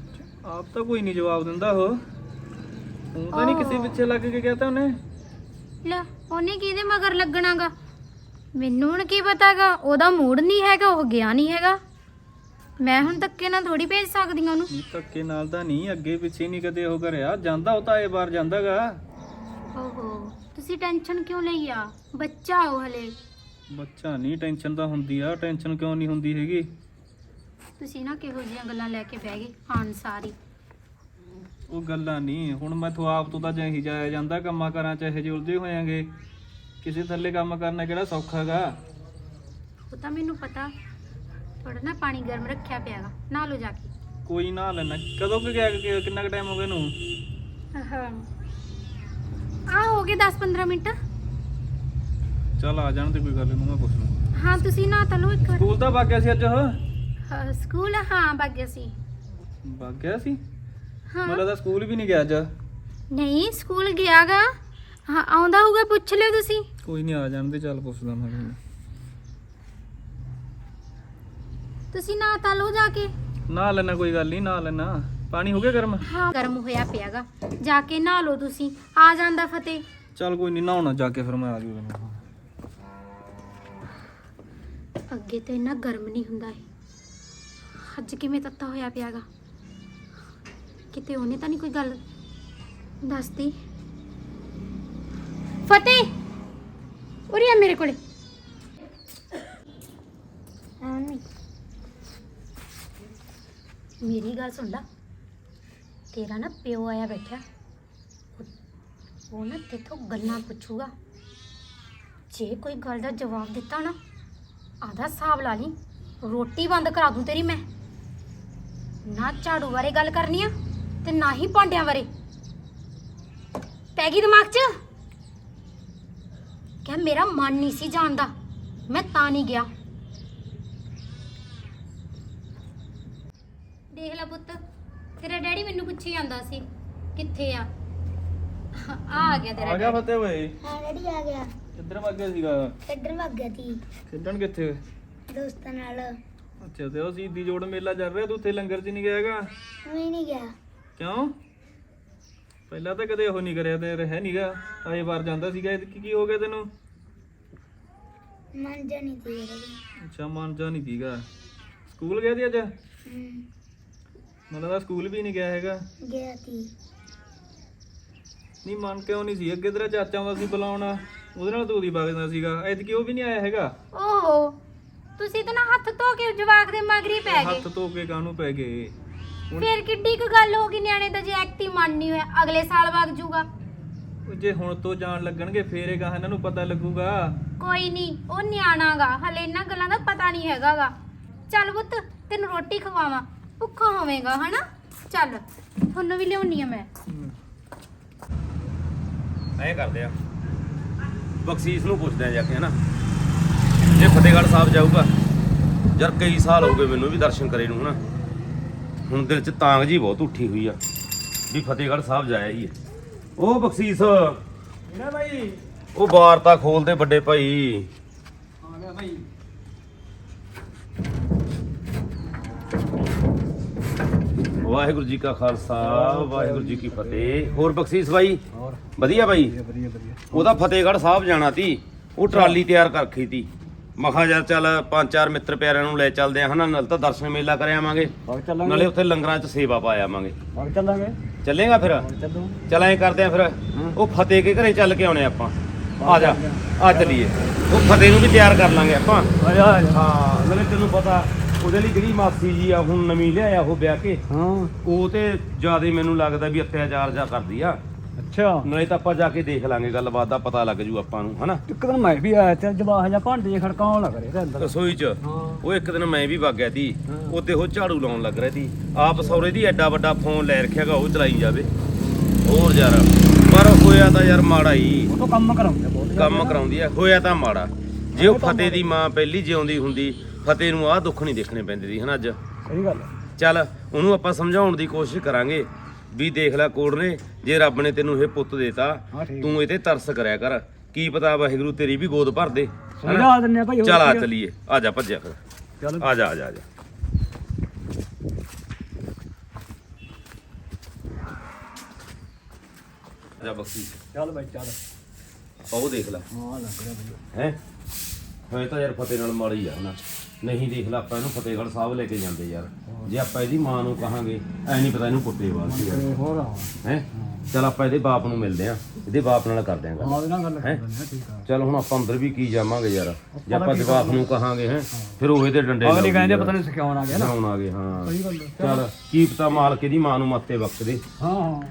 [SPEAKER 2] ਆਪ ਤਾਂ ਕੋਈ ਨਹੀਂ ਜਵਾਬ ਦਿੰਦਾ ਉਹ ਤਾਂ ਨਹੀਂ ਕਿਸੇ ਪਿੱਛੇ ਲੱਗ ਕੇ ਕਹਤਾ ਉਹਨੇ?
[SPEAKER 1] ਲੈ ਉਹਨੇ ਕਿਹਦੇ ਮਗਰ ਲੱਗਣਾਗਾ? ਮੈਨੂੰ ਹੁਣ ਕੀ ਪਤਾਗਾ? ਉਹਦਾ ਮੂਡ ਨਹੀਂ ਹੈਗਾ, ਉਹ ਗਿਆ ਨਹੀਂ ਹੈਗਾ। ਮੈਂ ਹੁਣ ਧੱਕੇ ਨਾਲ ਥੋੜੀ ਭੇਜ ਸਕਦੀ ਹਾਂ ਉਹਨੂੰ।
[SPEAKER 2] ਧੱਕੇ ਨਾਲ ਤਾਂ ਨਹੀਂ, ਅੱਗੇ ਪਿੱਛੇ ਨਹੀਂ ਕਦੇ ਉਹ ਕਰਿਆ ਜਾਂਦਾ, ਉਹ ਤਾਂ ਇਹ ਵਾਰ ਜਾਂਦਾਗਾ।
[SPEAKER 1] ਓਹੋ, ਤੁਸੀਂ ਟੈਨਸ਼ਨ ਕਿਉਂ ਲਈ ਆ? ਬੱਚਾ ਉਹ ਹਲੇ।
[SPEAKER 2] ਬੱਚਾ ਨਹੀਂ, ਟੈਨਸ਼ਨ ਤਾਂ ਹੁੰਦੀ ਆ। ਟੈਨਸ਼ਨ ਕਿਉਂ ਨਹੀਂ ਹੁੰਦੀ ਹੈਗੀ?
[SPEAKER 1] ਤੁਸੀਂ ਨਾ ਕਿਹੋ ਜਿਹੀਆਂ ਗੱਲਾਂ ਲੈ ਕੇ ਬਹਿ ਗਏ ਆਣ ਸਾਰੀ।
[SPEAKER 2] ਉਹ ਗੱਲਾਂ ਨਹੀਂ, ਹੁਣ ਮੈਥੋਂ ਆਪ ਤੋਂ ਤਾਂ ਜਿਹੀ ਜਾਇਆ ਜਾਂਦਾ, ਕੰਮਾਂ ਕਾਰਾਂ ਚ ਇਹੋ ਜਿਹੇ ਉਲਝੇ ਹੋਇਆਂਗੇ। ਕਿਸੇ ਥੱਲੇ ਕੰਮ ਕਰਨਾ ਕਿਹੜਾ ਸੌਖਾ ਗਾ?
[SPEAKER 1] ਉਹ ਤਾਂ ਮੈਨੂੰ ਪਤਾ। ਥੋੜਾ ਨਾ ਪਾਣੀ ਗਰਮ ਰੱਖਿਆ ਪਿਆਗਾ, ਨਹਾ ਲਓ ਜਾ ਕੇ।
[SPEAKER 2] ਕੋਈ ਨਾ ਲੈਣਾ। ਕਦੋਂ ਕਿ ਗਿਆ, ਕਿੰਨਾ ਕੁ ਟਾਈਮ ਹੋ ਗਿਆ ਇਹਨੂੰ?
[SPEAKER 1] ਆ ਹੋ ਗਏ 10-15 ਮਿੰਟ।
[SPEAKER 2] ਚੱਲ ਆ ਜਾਣ ਤੇ ਕੋਈ ਗੱਲ ਨਹੀਂ, ਮੈਂ ਪੁੱਛ ਲੂੰ।
[SPEAKER 1] ਹਾਂ ਤੁਸੀਂ ਨਹਾ ਤਾਂ ਲਓ ਇੱਕ ਵਾਰ।
[SPEAKER 2] ਸਕੂਲ ਤਾਂ ਵਗ ਗਿਆ ਸੀ ਅੱਜ ਉਹ?
[SPEAKER 1] ਸਕੂਲ ਹਾਂ ਵਗ ਗਿਆ ਸੀ।
[SPEAKER 2] ਵਗ ਗਿਆ ਸੀ?
[SPEAKER 1] ਹਾਂ
[SPEAKER 2] ਮੈਨੂੰ ਤਾਂ ਸਕੂਲ ਵੀ ਨਹੀਂ ਗਿਆ ਅੱਜ।
[SPEAKER 1] ਨਹੀਂ ਸਕੂਲ ਗਿਆਗਾ। ਹਾਂ ਆਉਂਦਾ ਹੋਊਗਾ, ਪੁੱਛ ਲਿਓ ਤੁਸੀਂ।
[SPEAKER 2] ਕੋਈ ਨਹੀਂ, ਆ ਜਾਣ ਦੇ, ਚੱਲ ਪੁੱਛਦਾ ਮੈਂ ਉਹਨੂੰ।
[SPEAKER 1] ਤੁਸੀਂ ਨਹਾ ਤਾਂ ਲਓ ਜਾ ਕੇ।
[SPEAKER 2] ਨਾ ਲੈਣਾ, ਕੋਈ ਗੱਲ ਨਹੀਂ, ਨਾ ਲੈਣਾ। ਪਾਣੀ ਹੋ ਗਿਆ ਗਰਮ?
[SPEAKER 1] ਹਾਂ ਗਰਮ ਹੋਇਆ ਪਿਆਗਾ, ਜਾ ਕੇ ਨਹਾ ਲਓ ਤੁਸੀਂ। ਆ ਜਾਂਦਾ ਫਤਿਹ।
[SPEAKER 2] ਚੱਲ ਕੋਈ ਨਹੀਂ, ਨਹਾਉਣਾ ਜਾ ਕੇ, ਫਿਰ ਮੈਂ ਆ ਜਾਊਗਾ।
[SPEAKER 1] ਅੱਗੇ ਤਾਂ ਇੰਨਾ ਗਰਮ ਨਹੀਂ ਹੁੰਦਾ ਇਹ, ਅੱਜ ਕਿਵੇਂ ਤੱਤਾ ਹੋਇਆ ਪਿਆਗਾ। ਕਿਤੇ ਉਹਨੇ ਤਾਂ ਨਹੀਂ ਕੋਈ ਗੱਲ ਦੱਸਦੀ। ਫਤਿਹ ਉਰੇ ਆ ਮੇਰੇ ਕੋਲੇ। ਮੇਰੀ ਗੱਲ ਸੁਣ ਲਾ, ਤੇਰਾ ਨਾ ਪਿਓ ਆਇਆ ਬੈਠਾ, ਉਹ ਨਾ ਤੇਥੋਂ ਗੱਲਾਂ ਪੁੱਛੂਗਾ। ਜੇ ਕੋਈ ਗੱਲ ਦਾ ਜਵਾਬ ਦਿੱਤਾ ਨਾ, ਆਦਾ ਹਿਸਾਬ ਲਾ ਲਈ, ਰੋਟੀ ਬੰਦ ਕਰਾ ਦੂੰ ਤੇਰੀ ਮੈਂ। ਨਾ ਝਾੜੂ ਬਾਰੇ ਗੱਲ ਕਰਨੀ ਆ ਤੇ ਨਾ ਹੀ ਭਾਂਡਿਆਂ ਬਾਰੇ। ਪੈ ਗਈ ਦਿਮਾਗ 'ਚ? ਕਹਿ ਮੇਰਾ ਮਨ ਨਹੀਂ ਸੀ ਜਾਣਦਾ, ਮੈਂ ਤਾਂ ਨਹੀਂ ਗਿਆ। ਦੇਖ ਲੈ ਪੁੱਤ, ਤੇਰਾ ਡੈਡੀ ਮੈਨੂੰ ਪੁੱਛੀ ਜਾਂਦਾ ਸੀ ਕਿੱਥੇ ਆ। ਆ ਗਿਆ ਤੇਰਾ
[SPEAKER 2] ਆ ਗਿਆ
[SPEAKER 1] ਡੈਡੀ।
[SPEAKER 2] ਫਤਿਹ ਓਏ।
[SPEAKER 3] ਹਾਂ ਡੈਡੀ ਆ ਗਿਆ।
[SPEAKER 2] ਕਿੱਧਰ ਵਗ ਗਿਆ ਸੀਗਾ?
[SPEAKER 3] ਇੱਧਰ ਭੱਗ ਗਿਆ ਸੀ
[SPEAKER 2] ਖੇਡਣ ਕਿੱਥੇ?
[SPEAKER 3] ਦੋਸਤਾਂ ਨਾਲ।
[SPEAKER 2] ਅੱਛਾ, ਤੇ ਉਹ ਸ਼ਹੀਦੀ ਜੋੜ ਮੇਲਾ ਚੱਲ ਰਿਹਾ, ਤੂੰ ਉੱਥੇ ਲੰਗਰ 'ਚ ਨਹੀਂ ਗਿਆ ਹੈਗਾ?
[SPEAKER 3] ਮੈਂ ਨਹੀਂ ਗਿਆ।
[SPEAKER 2] ਕਿਉਂ? ਪਹਿਲਾਂ ਤਾਂ ਕਦੇ ਉਹ ਨਹੀਂ ਕਰਿਆ ਤੇ ਰਹਿ ਨਹੀਂਗਾ, ਆਏ ਵਾਰ ਜਾਂਦਾ ਸੀਗਾ। ਇਹ ਕੀ ਹੋ ਗਿਆ ਤੈਨੂੰ?
[SPEAKER 3] ਮਨ ਜਾ ਨਹੀਂ ਸੀ ਡੈਡੀ।
[SPEAKER 2] ਅੱਛਾ, ਮਨ ਜਾ ਨਹੀਂ ਸੀਗਾ। ਸਕੂਲ ਗਿਆ ਸੀ ਅੱਜ?
[SPEAKER 3] ਹੂੰ,
[SPEAKER 2] ਮੈਨੂੰ ਤਾਂ ਸਕੂਲ ਵੀ ਨਹੀਂ ਗਿਆ ਹੈਗਾ।
[SPEAKER 3] ਗਿਆ ਸੀ।
[SPEAKER 2] ਨਹੀਂ, ਮਨ ਕਿਉਂ ਨਹੀਂ ਸੀ? ਅੱਗੇ ਤੇਰਾ ਚਾਚਾ ਆਉਂਦਾ ਸੀ ਬੁਲਾਉਣਾ, ਉਹਦੇ ਨਾਲ ਤੂੰ ਦੀ ਵਗਦਾ ਸੀਗਾ। ਐਤਕੀ ਉਹ ਵੀ ਨਹੀਂ ਆਇਆ ਹੈਗਾ।
[SPEAKER 1] ਓਹੋ, ਤੁਸੀਂ ਤਾਂ ਨਾ ਹੱਥ ਧੋ ਕੇ ਜਵਾਕ ਦੇ ਮਗਰੀ ਪੈ ਗਏ।
[SPEAKER 2] ਹੱਥ ਧੋ ਕੇ ਕਾਹਨੂੰ ਪੈ ਗਏ?
[SPEAKER 1] ਫਿਰ ਕਿੱਡੀ ਕੁ ਗੱਲ ਹੋ ਗਈ, ਨਿਆਣੇ ਦਾ ਜੇ ਐਕਟੀ ਮਨ ਨਹੀਂ ਹੋਇਆ ਅਗਲੇ ਸਾਲ ਵਗ ਜੂਗਾ।
[SPEAKER 2] ਉਹ ਜੇ ਹੁਣ ਤੋਂ ਜਾਣ ਲੱਗਣਗੇ ਫੇਰ ਇਹ ਕਹਾਂ ਇਹਨਾਂ ਨੂੰ ਪਤਾ ਲੱਗੂਗਾ।
[SPEAKER 1] ਕੋਈ ਨਹੀਂ, ਉਹ ਨਿਆਣਾਗਾ ਹਲੇ, ਇਹਨਾਂ ਗੱਲਾਂ ਦਾ ਪਤਾ ਨਹੀਂ ਹੈਗਾਗਾ। ਚੱਲ ਪੁੱਤ ਤੈਨੂੰ ਰੋਟੀ ਖਵਾਵਾਂ, ਭੁੱਖਾ ਹੋਵੇਂਗਾ ਹਨਾ। ਚੱਲ ਤੁਹਾਨੂੰ ਵੀ ਲਿਆਉਣੀ ਆ ਮੈਂ।
[SPEAKER 4] ਐਂ ਕਰਦੇ ਆ, ਬਖਸ਼ੀਸ਼ ਨੂੰ ਪੁੱਛਦੇ ਆ ਜਾ ਕੇ, ਹਨਾ। ਜੇ ਫਤਿਹਗੜ੍ਹ ਸਾਹਿਬ ਜਾਊਗਾ, ਯਾਰ ਕਈ ਸਾਲ ਹੋ ਗਏ ਮੈਨੂੰ ਵੀ ਦਰਸ਼ਨ ਕਰੇ ਨੂੰ, ਹਨਾ। ਹੁਣ ਦਿਲ 'ਚ ਤਾਂਗ ਜੀ ਬਹੁਤ ਉੱਠੀ ਹੋਈ ਆ ਵੀ ਫਤਿਹਗੜ੍ਹ ਸਾਹਿਬ ਜਾਇਆ ਹੀ ਹੈ। ਉਹ ਬਖਸ਼ੀਸ਼,
[SPEAKER 2] ਇਹਨਾਂ ਭਾਈ
[SPEAKER 4] ਉਹ ਵਾਰਤਾ ਖੋਲਦੇ ਵੱਡੇ ਭਾਈ।
[SPEAKER 2] ਆ ਗਿਆ ਭਾਈ।
[SPEAKER 4] ਵਾਹਿਗੁਰੂ ਜੀ ਕਾ ਖਾਲਸਾ, ਵਾਹਿਗੁਰੂ ਜੀ ਕੀ ਫਤਿਹ। ਹੋਰ ਬਖਸ਼ੀਸ਼ ਭਾਈ? ਵਧੀਆ ਭਾਈ।
[SPEAKER 2] ਵਧੀਆ ਵਧੀਆ।
[SPEAKER 4] ਉਹਦਾ ਫਤਿਹਗੜ੍ਹ ਸਾਹਿਬ ਜਾਣਾ ਤੀ, ਉਹ ਟਰਾਲੀ ਤਿਆਰ ਕਰ ਰੱਖੀ ਤੀ। ਮਖਾ ਯਾਰ ਚੱਲ 5-4 ਮਿੱਤਰ ਪਿਆਰਿਆਂ ਨੂੰ ਲੈ ਚੱਲਦੇ ਆ, ਹਨਾ। ਨਾਲ ਤਾਂ ਦਰਸ਼ਨ ਮੇਲਾ ਕਰ ਆਵਾਂਗੇ, ਨਾਲੇ ਉੱਥੇ ਲੰਗਰਾਂ 'ਚ ਸੇਵਾ ਪਾ ਆਵਾਂਗੇ।
[SPEAKER 2] ਚੱਲਾਂਗੇ।
[SPEAKER 4] ਚੱਲੇਗਾ ਫਿਰ? ਚੱਲ ਐਂ ਕਰਦੇ ਆ ਫਿਰ, ਉਹ ਫਤਿਹ ਕੇ ਘਰੇ ਚੱਲ ਕੇ ਆਉਣੇ ਆਪਾਂ। ਆ ਜਾ, ਆ ਚੱਲੀਏ। ਉਹ ਫਤਿਹ ਨੂੰ ਵੀ ਤਿਆਰ ਕਰ ਲਾਂਗੇ ਆਪਾਂ। ਹਾਂ, ਨਾਲੇ ਤੈਨੂੰ ਪਤਾ ਉਹਦੇ ਲਈ ਜਿਹੜੀ ਮਾਸੀ ਜੀ ਆ ਹੁਣ ਨਵੀਂ ਲਿਆਇਆ ਉਹ ਵਿਆਹ ਕੇ,
[SPEAKER 5] ਹਾਂ
[SPEAKER 4] ਉਹ ਤੇ ਜਿਆਦਾ ਮੈਨੂੰ ਲੱਗਦਾ ਵੀ ਅਤਿਆਚਾਰ ਜਾ ਕਰਦੀ ਆ।
[SPEAKER 5] ਅੱਛਾ,
[SPEAKER 4] ਨਾਲੇ ਤਾਂ ਆਪਾਂ ਜਾ ਕੇ ਦੇਖ ਲਾਂਗੇ, ਗੱਲਬਾਤ ਦਾ ਪਤਾ ਲੱਗ ਜੂ ਆਪਾਂ ਨੂੰ, ਹਨਾ।
[SPEAKER 5] ਇੱਕ ਦਿਨ ਮੈਂ ਵੀ ਆਇਆ ਤੇ ਜਵਾਹ ਜਾਂ ਭਾਂਡੇ ਜਿਹੇ ਖੜਕਾਉਣ ਲੱਗ ਰਹੇ ਤੇ ਅੰਦਰ।
[SPEAKER 4] ਰਸੋਈ 'ਚ
[SPEAKER 5] ਹਾਂ
[SPEAKER 4] ਉਹ ਇੱਕ ਦਿਨ ਮੈਂ ਵੀ ਵਗ ਗਿਆ ਤੀ,
[SPEAKER 5] ਹਾਂ।
[SPEAKER 4] ਉੱਤੇ ਉਹ ਝਾੜੂ ਲਾਉਣ ਲੱਗ ਰਿਹਾ ਤੀ। ਆਪ ਸੌਰੇ ਦੀ ਐਡਾ ਵੱਡਾ ਫੋਨ ਲੈ ਰੱਖਿਆਗਾ, ਉਹ ਚਲਾਈ ਜਾਵੇ। ਹੋਰ ਯਾਰ, ਪਰ ਹੋਇਆ ਤਾਂ ਯਾਰ ਮਾੜਾ ਹੀ।
[SPEAKER 5] ਉਹ ਤੋਂ ਕੰਮ ਕਰਾਉਂਦੇ ਬਹੁਤ
[SPEAKER 4] ਕੰਮ ਕਰਾਉਂਦੀ ਆ, ਹੋਇਆ ਤਾਂ ਮਾੜਾ। ਜੇ ਉਹ ਫਤਿਹ ਦੀ ਮਾਂ ਪਹਿਲੀ ਜਿਉਂਦੀ ਹੁੰਦੀ, ਫਤਿਹ ਨੂੰ ਆਹ ਦੁੱਖ ਨਹੀਂ ਦੇਖਣੇ ਪੈਂਦੇ ਸੀ, ਹਨਾ। ਅੱਜ
[SPEAKER 5] ਸਹੀ ਗੱਲ ਹੈ।
[SPEAKER 4] ਚੱਲ ਉਹਨੂੰ ਆਪਾਂ ਸਮਝਾਉਣ ਦੀ ਕੋਸ਼ਿਸ਼ ਕਰਾਂਗੇ ਵੀ ਦੇਖ ਲੈ ਕੋੜ ਨੇ, ਜੇ ਰੱਬ ਨੇ ਤੈਨੂੰ ਇਹ ਪੁੱਤ ਦੇਤਾ,
[SPEAKER 5] ਹਾਂ ਠੀਕ।
[SPEAKER 4] ਤੂੰ ਇਹ ਤੇ ਤਰਸ ਕਰਿਆ ਕਰ। ਕੀ ਪਤਾ ਵਾਹਿਗੁਰੂ ਤੇਰੀ ਵੀ ਗੋਦ ਭਰ ਦੇ, ਹਨਾ।
[SPEAKER 5] ਸਮਝਾ ਦਿੰਨੇ ਆ ਭਾਈ। ਹੋਰ
[SPEAKER 4] ਚੱਲ ਆ
[SPEAKER 5] ਕੀ ਆ।
[SPEAKER 4] ਚੱਲੀਏ, ਆ ਜਾ ਭੱਜਿਆ ਫਿਰ।
[SPEAKER 5] ਚੱਲ
[SPEAKER 4] ਆ ਜਾ ਆ ਜਾ ਆ ਜਾ। ਆ ਜਾ ਬਖਸ਼ੀ।
[SPEAKER 5] ਚੱਲ ਭਾਈ ਚੱਲ।
[SPEAKER 4] ਉਹ ਦੇਖ ਲੈ
[SPEAKER 5] ਹਾਂ ਲੱਗ ਰਿਹਾ ਬਈ
[SPEAKER 4] ਹੈ ਹੋਏ ਤਾਂ ਯਾਰ ਫਤਿਹ ਨਾਲ ਮਾੜੀ ਆ ਨਾ ਨਹੀਂ ਦੇਖ ਲੈ ਆਪਾਂ ਇਹਨੂੰ ਫਤਿਹਗੜ੍ਹ ਸਾਹਿਬ ਲੈ ਕੇ ਜਾਂਦੇ ਯਾਰ ਜੇ ਆਪਾਂ ਇਹਦੀ ਮਾਂ ਨੂੰ ਕਹਾਂਗੇ ਐ ਨਹੀਂ ਪਤਾ ਇਹਨੂੰ ਕੁੱਟੇ ਬਾਅਦ ਸੀ
[SPEAKER 5] ਤੇ ਹੋਰ ਆ
[SPEAKER 4] ਹੈ ਚਲ ਆਪਾਂ ਇਹਦੇ ਬਾਪ ਨੂੰ ਮਿਲਦੇ ਆ ਇਹਦੇ ਬਾਪ ਨਾਲ ਕਰਦੇ ਆਂ ਗੱਲ
[SPEAKER 5] ਹਾਂ ਉਹਦੇ ਨਾਲ ਗੱਲ ਕਰ ਲੈਂਦੇ ਆ ਠੀਕ ਆ
[SPEAKER 4] ਚਲ ਹੁਣ ਆਪਾਂ ਅੰਦਰ ਵੀ ਕੀ ਜਾਵਾਂਗੇ ਯਾਰ ਜੇ ਆਪਾਂ ਜਵਾਕ ਨੂੰ ਕਹਾਂਗੇ ਹੈ ਫਿਰ ਉਹ ਇਹਦੇ ਡੰਡੇ
[SPEAKER 5] ਅਗਲੀ ਕਹਿੰਦੇ ਪਤਾ ਨਹੀਂ ਸਿਖਾਉਣ ਆ ਗਿਆ ਨਾ
[SPEAKER 4] ਸਿਖਾਉਣ ਆ ਗਏ ਹਾਂ
[SPEAKER 5] ਸਹੀ ਗੱਲ ਹੈ।
[SPEAKER 4] ਚਲ ਕੀ ਪਤਾ ਮਾਲਕ ਇਹਦੀ ਮਾਂ ਨੂੰ ਮੱਤੇ ਬਖਸ਼ ਦੇ
[SPEAKER 5] ਹਾਂ ਹਾਂ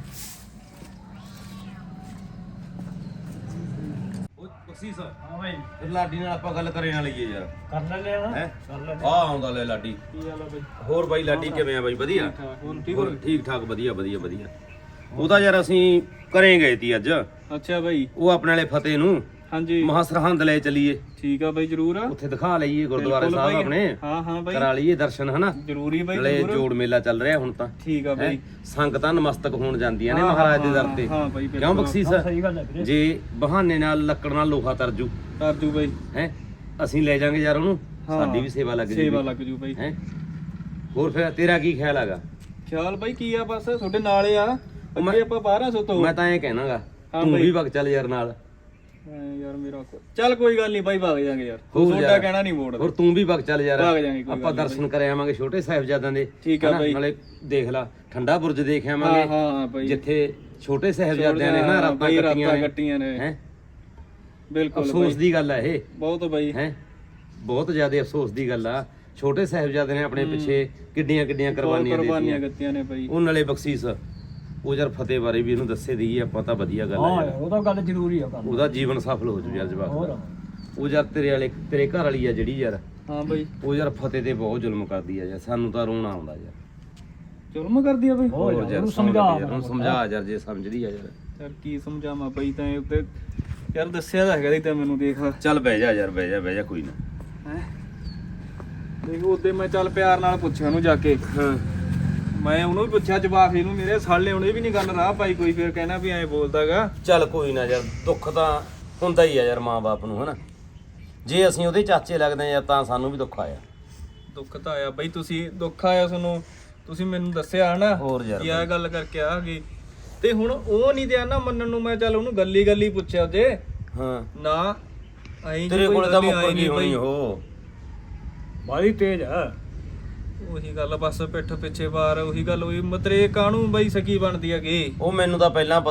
[SPEAKER 4] ਉਹ ਬਖਸ਼ੀਸ਼
[SPEAKER 5] ਹਾਂ ਬਾਈ
[SPEAKER 4] ਫਿਰ ਲਾਡੀ ਨਾਲ ਆਪਾਂ ਗੱਲ ਕਰੇ ਨਾ ਲਈਏ ਯਾਰ
[SPEAKER 5] ਕਰ ਲੈਂਦੇ ਆ
[SPEAKER 4] ਹੈ
[SPEAKER 5] ਕਰ ਲੈਂਦੇ
[SPEAKER 4] ਆ ਆਉਂਦਾ ਲੈ ਲਾਡੀ
[SPEAKER 2] ਕੀ ਹਾਲ ਆ ਬਾਈ
[SPEAKER 4] ਹੋਰ ਬਾਈ ਲਾਡੀ ਕਿਵੇਂ ਆ ਬਾਈ ਵਧੀਆ
[SPEAKER 2] ਹੋਰ
[SPEAKER 4] ਹੋਰ ਠੀਕ ਠਾਕ ਵਧੀਆ ਵਧੀਆ ਵਧੀਆ ਉਹਦਾ ਯਾਰ ਅਸੀਂ ਘਰੇ ਗਏ ਤੀ ਅੱਜ
[SPEAKER 2] ਅੱਛਾ ਬਾਈ
[SPEAKER 4] ਉਹ ਆਪਣੇ ਵਾਲੇ ਫਤਿਹ ਨੂੰ
[SPEAKER 2] ਹਾਂਜੀ
[SPEAKER 4] ਮਹਾ ਸਰਹੰਦ ਲੈ ਚਲੀਏ
[SPEAKER 2] ਠੀਕ ਆ ਬਾਈ ਜਰੂਰ
[SPEAKER 4] ਉੱਥੇ ਦਿਖਾ ਲਈਏ ਗੁਰਦੁਆਰੇ ਸਾਹਿਬ ਆਪਣੇ
[SPEAKER 2] ਹਾਂ ਹਾਂ ਬਾਈ
[SPEAKER 4] ਕਰਾ ਲਈਏ ਦਰਸ਼ਨ ਹਨਾ
[SPEAKER 2] ਜਰੂਰੀ ਬਾਈ
[SPEAKER 4] ਨਾਲੇ ਜੋੜ ਮੇਲਾ ਚੱਲ ਰਿਹਾ ਹੁਣ ਤਾਂ
[SPEAKER 2] ਠੀਕ ਆ ਬਾਈ
[SPEAKER 4] ਸੰਗਤਾਂ ਨਮਸਤਕ ਹੋਣ ਜਾਂਦੀਆਂ ਨੇ ਮਹਾਰਾਜ ਦੇ ਦਰ ਤੇ
[SPEAKER 2] ਹਾਂ ਬਾਈ
[SPEAKER 4] ਕਿਉਂ ਬਖਸ਼ੀਸ਼
[SPEAKER 5] ਸਹੀ ਗੱਲ ਹੈ ਵੀਰੇ
[SPEAKER 4] ਜੇ ਬਹਾਨੇ ਨਾਲ ਲੱਕੜ ਨਾਲ ਲੋਹਾ ਤਰਜੂ
[SPEAKER 2] ਤਰਜੂ ਬਾਈ
[SPEAKER 4] ਹੈ ਅਸੀਂ ਲੈ ਜਾਾਂਗੇ ਯਾਰ ਉਹਨੂੰ ਸਾਡੀ ਵੀ ਸੇਵਾ ਲੱਗ ਜੂਗੀ
[SPEAKER 2] ਸੇਵਾ ਲੱਗ ਜੂ ਬਾਈ
[SPEAKER 4] ਹੈ ਹੋਰ ਫਿਰ ਤੇਰਾ ਕੀ ਖਿਆਲ ਹੈਗਾ
[SPEAKER 2] ਖਿਆਲ ਬਾਈ ਕੀ ਆ ਬਸ ਤੁਹਾਡੇ ਨਾਲ ਆ ਅੱਗੇ ਆਪਾਂ 1200 ਤੋਂ
[SPEAKER 4] ਮੈਂ ਤਾਂ ਐਂ ਕਹਿਣਾਗਾ
[SPEAKER 2] ਹਾਂ
[SPEAKER 4] ਤੂੰ
[SPEAKER 2] ਬਾਈ।
[SPEAKER 4] ਵੀ ਵਗ ਚੱਲ ਯਾਰ ਨਾਲ
[SPEAKER 2] ਯਾਰ ਮੇਰਾ ਚੱਲ ਕੋਈ ਗੱਲ ਨਹੀਂ ਬਾਈ ਵਗ ਜਾਾਂਗੇ ਯਾਰ
[SPEAKER 4] ਹੋਰ
[SPEAKER 2] ਤੁਹਾਡਾ
[SPEAKER 4] ਯਾਰ।
[SPEAKER 2] ਕਹਿਣਾ ਨਹੀਂ ਮੋੜਦਾ
[SPEAKER 4] ਹੋਰ ਤੂੰ ਵੀ ਵਗ ਚੱਲ ਯਾਰ
[SPEAKER 2] ਵਗ ਜਾਾਂਗੇ ਕੋਈ
[SPEAKER 4] ਆਪਾਂ ਦਰਸ਼ਨ ਕਰ ਆਵਾਂਗੇ ਛੋਟੇ ਸਾਹਿਬਜ਼ਾਦਿਆਂ ਦੇ
[SPEAKER 2] ਠੀਕ ਆ
[SPEAKER 4] ਹਨਾ?
[SPEAKER 2] ਬਾਈ।
[SPEAKER 4] ਨਾਲੇ ਦੇਖ ਲਾ ਠੰਡਾ ਬੁਰਜ ਦੇਖ
[SPEAKER 2] ਹਾਂ
[SPEAKER 4] ਆਵਾਂਗੇ
[SPEAKER 2] ਹਾਂ ਬਾਈ
[SPEAKER 4] ਜਿੱਥੇ ਛੋਟੇ ਸਾਹਿਬਜ਼ਾਦਿਆਂ ਨੇ ਨਾ ਰਾਤਾਂ
[SPEAKER 2] ਬਾਈ
[SPEAKER 4] ਕੱਟੀਆਂ ਨੇ
[SPEAKER 2] ਕੱਟੀਆਂ ਨੇ
[SPEAKER 4] ਹੈ
[SPEAKER 2] ਬਿਲਕੁਲ
[SPEAKER 4] ਅਫਸੋਸ
[SPEAKER 2] ਬਾਈ
[SPEAKER 4] ਦੀ ਗੱਲ ਹੈ ਇਹ
[SPEAKER 2] ਬਹੁਤ ਬਾਈ
[SPEAKER 4] ਹੈ ਬਹੁਤ ਜ਼ਿਆਦਾ ਅਫਸੋਸ ਦੀ ਗੱਲ ਆ ਛੋਟੇ ਸਾਹਿਬਜ਼ਾਦੇ ਨੇ ਆਪਣੇ ਪਿੱਛੇ ਕਿੱਡੀਆਂ ਕਿੱਡੀਆਂ ਕੁਰਬਾਨੀਆਂ
[SPEAKER 2] ਕੁਰਬਾਨੀਆਂ
[SPEAKER 4] ਦਿੱਤੀਆਂ
[SPEAKER 2] ਦਿੱਤੀਆਂ ਨੇ ਬਾਈ
[SPEAKER 4] ਉਹ ਨਾਲੇ ਬਖਸ਼ੀਸ਼ ਉਹ ਯਾਰ ਫਤਿਹ ਬਾਰੇ ਵੀ ਇਹਨੂੰ ਦੱਸੇ ਦਈਏ ਆਪਾਂ ਤਾਂ ਵਧੀਆ ਗੱਲ
[SPEAKER 5] ਹਾਂ
[SPEAKER 4] ਹੈ
[SPEAKER 5] ਯਾਰ ਉਹ ਤਾਂ ਗੱਲ ਜ਼ਰੂਰੀ ਆ ਕਰ
[SPEAKER 4] ਉਹਦਾ ਜੀਵਨ ਸਫਲ ਹੋ ਜੂ ਯਾਰ ਜਵਾਕ
[SPEAKER 5] ਹੋਰ
[SPEAKER 4] ਦਾ। ਉਹ ਯਾਰ ਤੇਰੇ ਘਰ ਵਾਲੀ ਆ ਜਿਹੜੀ ਯਾਰ
[SPEAKER 2] ਹਾਂ ਬਾਈ
[SPEAKER 4] ਉਹ ਯਾਰ ਫਤਿਹ ਤੇ ਬਹੁਤ ਜ਼ੁਲਮ ਕਰਦੀ ਆ ਯਾਰ ਸਾਨੂੰ ਤਾਂ ਰੋਣਾ ਆਉਂਦਾ ਯਾਰ
[SPEAKER 2] ਜ਼ੁਲਮ ਕਰਦੀ ਆ ਬਾਈ
[SPEAKER 5] ਹੋਰ
[SPEAKER 4] ਯਾਰ
[SPEAKER 5] ਉਹਨੂੰ
[SPEAKER 4] ਸਮਝਾ
[SPEAKER 5] ਸਮਝਾ
[SPEAKER 4] ਯਾਰ ਉਹਨੂੰ ਸਮਝਾ ਯਾਰ ਜੇ ਸਮਝਦੀ ਆ ਯਾਰ
[SPEAKER 2] ਯਾਰ ਕੀ ਸਮਝਾਵਾਂ ਬਾਈ ਤਾਂ ਇਹ ਉੱਤੇ ਯਾਰ ਦੱਸਿਆ ਤਾਂ ਹੈਗਾ ਦੀ ਤਾਂ ਮੈਨੂੰ ਦੇਖ
[SPEAKER 4] ਚੱਲ ਬਹਿ ਜਾ ਯਾਰ ਬਹਿ ਜਾ ਕੋਈ ਨਾ
[SPEAKER 2] ਹੈ ਦੇਖ ਉਹਦੇ ਮੈਂ ਚੱਲ ਪਿਆਰ ਨਾਲ ਪੁੱਛਿਆ ਉਹਨੂੰ ਜਾ ਕੇ
[SPEAKER 4] ਹਾਂ
[SPEAKER 2] ਮੈਂ ਉਹਨੂੰ ਵੀ ਪੁੱਛਿਆ ਜਵਾਬ ਇਹਨੂੰ ਮੇਰੇ ਸਾਲੇ ਉਹਨੇ ਵੀ ਨਹੀਂ ਗੱਲ ਰਾਹ ਪਾਈ ਕੋਈ ਫਿਰ ਕਹਿਣਾ ਵੀ ਐਂ ਬੋਲਦਾਗਾ
[SPEAKER 4] ਚੱਲ ਕੋਈ ਨਾ ਯਾਰ ਦੁੱਖ ਤਾਂ ਹੁੰਦਾ ਹੀ ਆ ਯਾਰ ਮਾਂ-ਬਾਪ ਨੂੰ ਹਨਾ ਜੇ ਅਸੀਂ ਉਹਦੇ ਚਾਚੇ ਲੱਗਦੇ ਆ ਤਾਂ ਸਾਨੂੰ ਵੀ ਦੁੱਖ ਆਇਆ
[SPEAKER 2] ਦੁੱਖ ਤਾਂ ਆਇਆ ਬਾਈ ਤੁਸੀਂ ਦੁੱਖ ਆਇਆ ਤੁਹਾਨੂੰ ਤੁਸੀਂ ਮੈਨੂੰ ਦੱਸਿਆ ਹਨਾ
[SPEAKER 4] ਹੋਰ ਯਾਰ
[SPEAKER 2] ਕੀ ਆ ਗੱਲ ਕਰਕੇ ਆ ਗਈ ਤੇ ਹੁਣ ਉਹ ਨਹੀਂ ਦਿਆ ਨਾ ਮੰਨਣ ਨੂੰ ਮੈਂ ਚੱਲ ਉਹਨੂੰ ਗੱਲੀ ਪੁੱਛਿਆ ਜੇ
[SPEAKER 4] ਹਾਂ
[SPEAKER 2] ਨਾ ਐਂ
[SPEAKER 4] ਤੇਰੇ ਕੋਲ ਤਾਂ ਮੁੱਕਰ ਗਈ ਹੋਣੀ ਉਹ
[SPEAKER 5] ਬਾਈ ਤੇਜ਼ ਆ
[SPEAKER 2] ਉਹੀ ਗੱਲ ਬਸ ਪਿੱਠ ਪਿੱਛੇ ਵਾਰ ਉਹੀ ਗੱਲ ਹੋਈ ਮਤਰੇ ਕਾਹਨੂੰ ਬਾਈ ਸਕੀ ਬਣਦੀ ਹੈਗੀ
[SPEAKER 4] ਉਹ ਮੈਨੂੰ ਤਾਂ ਪਹਿਲਾਂ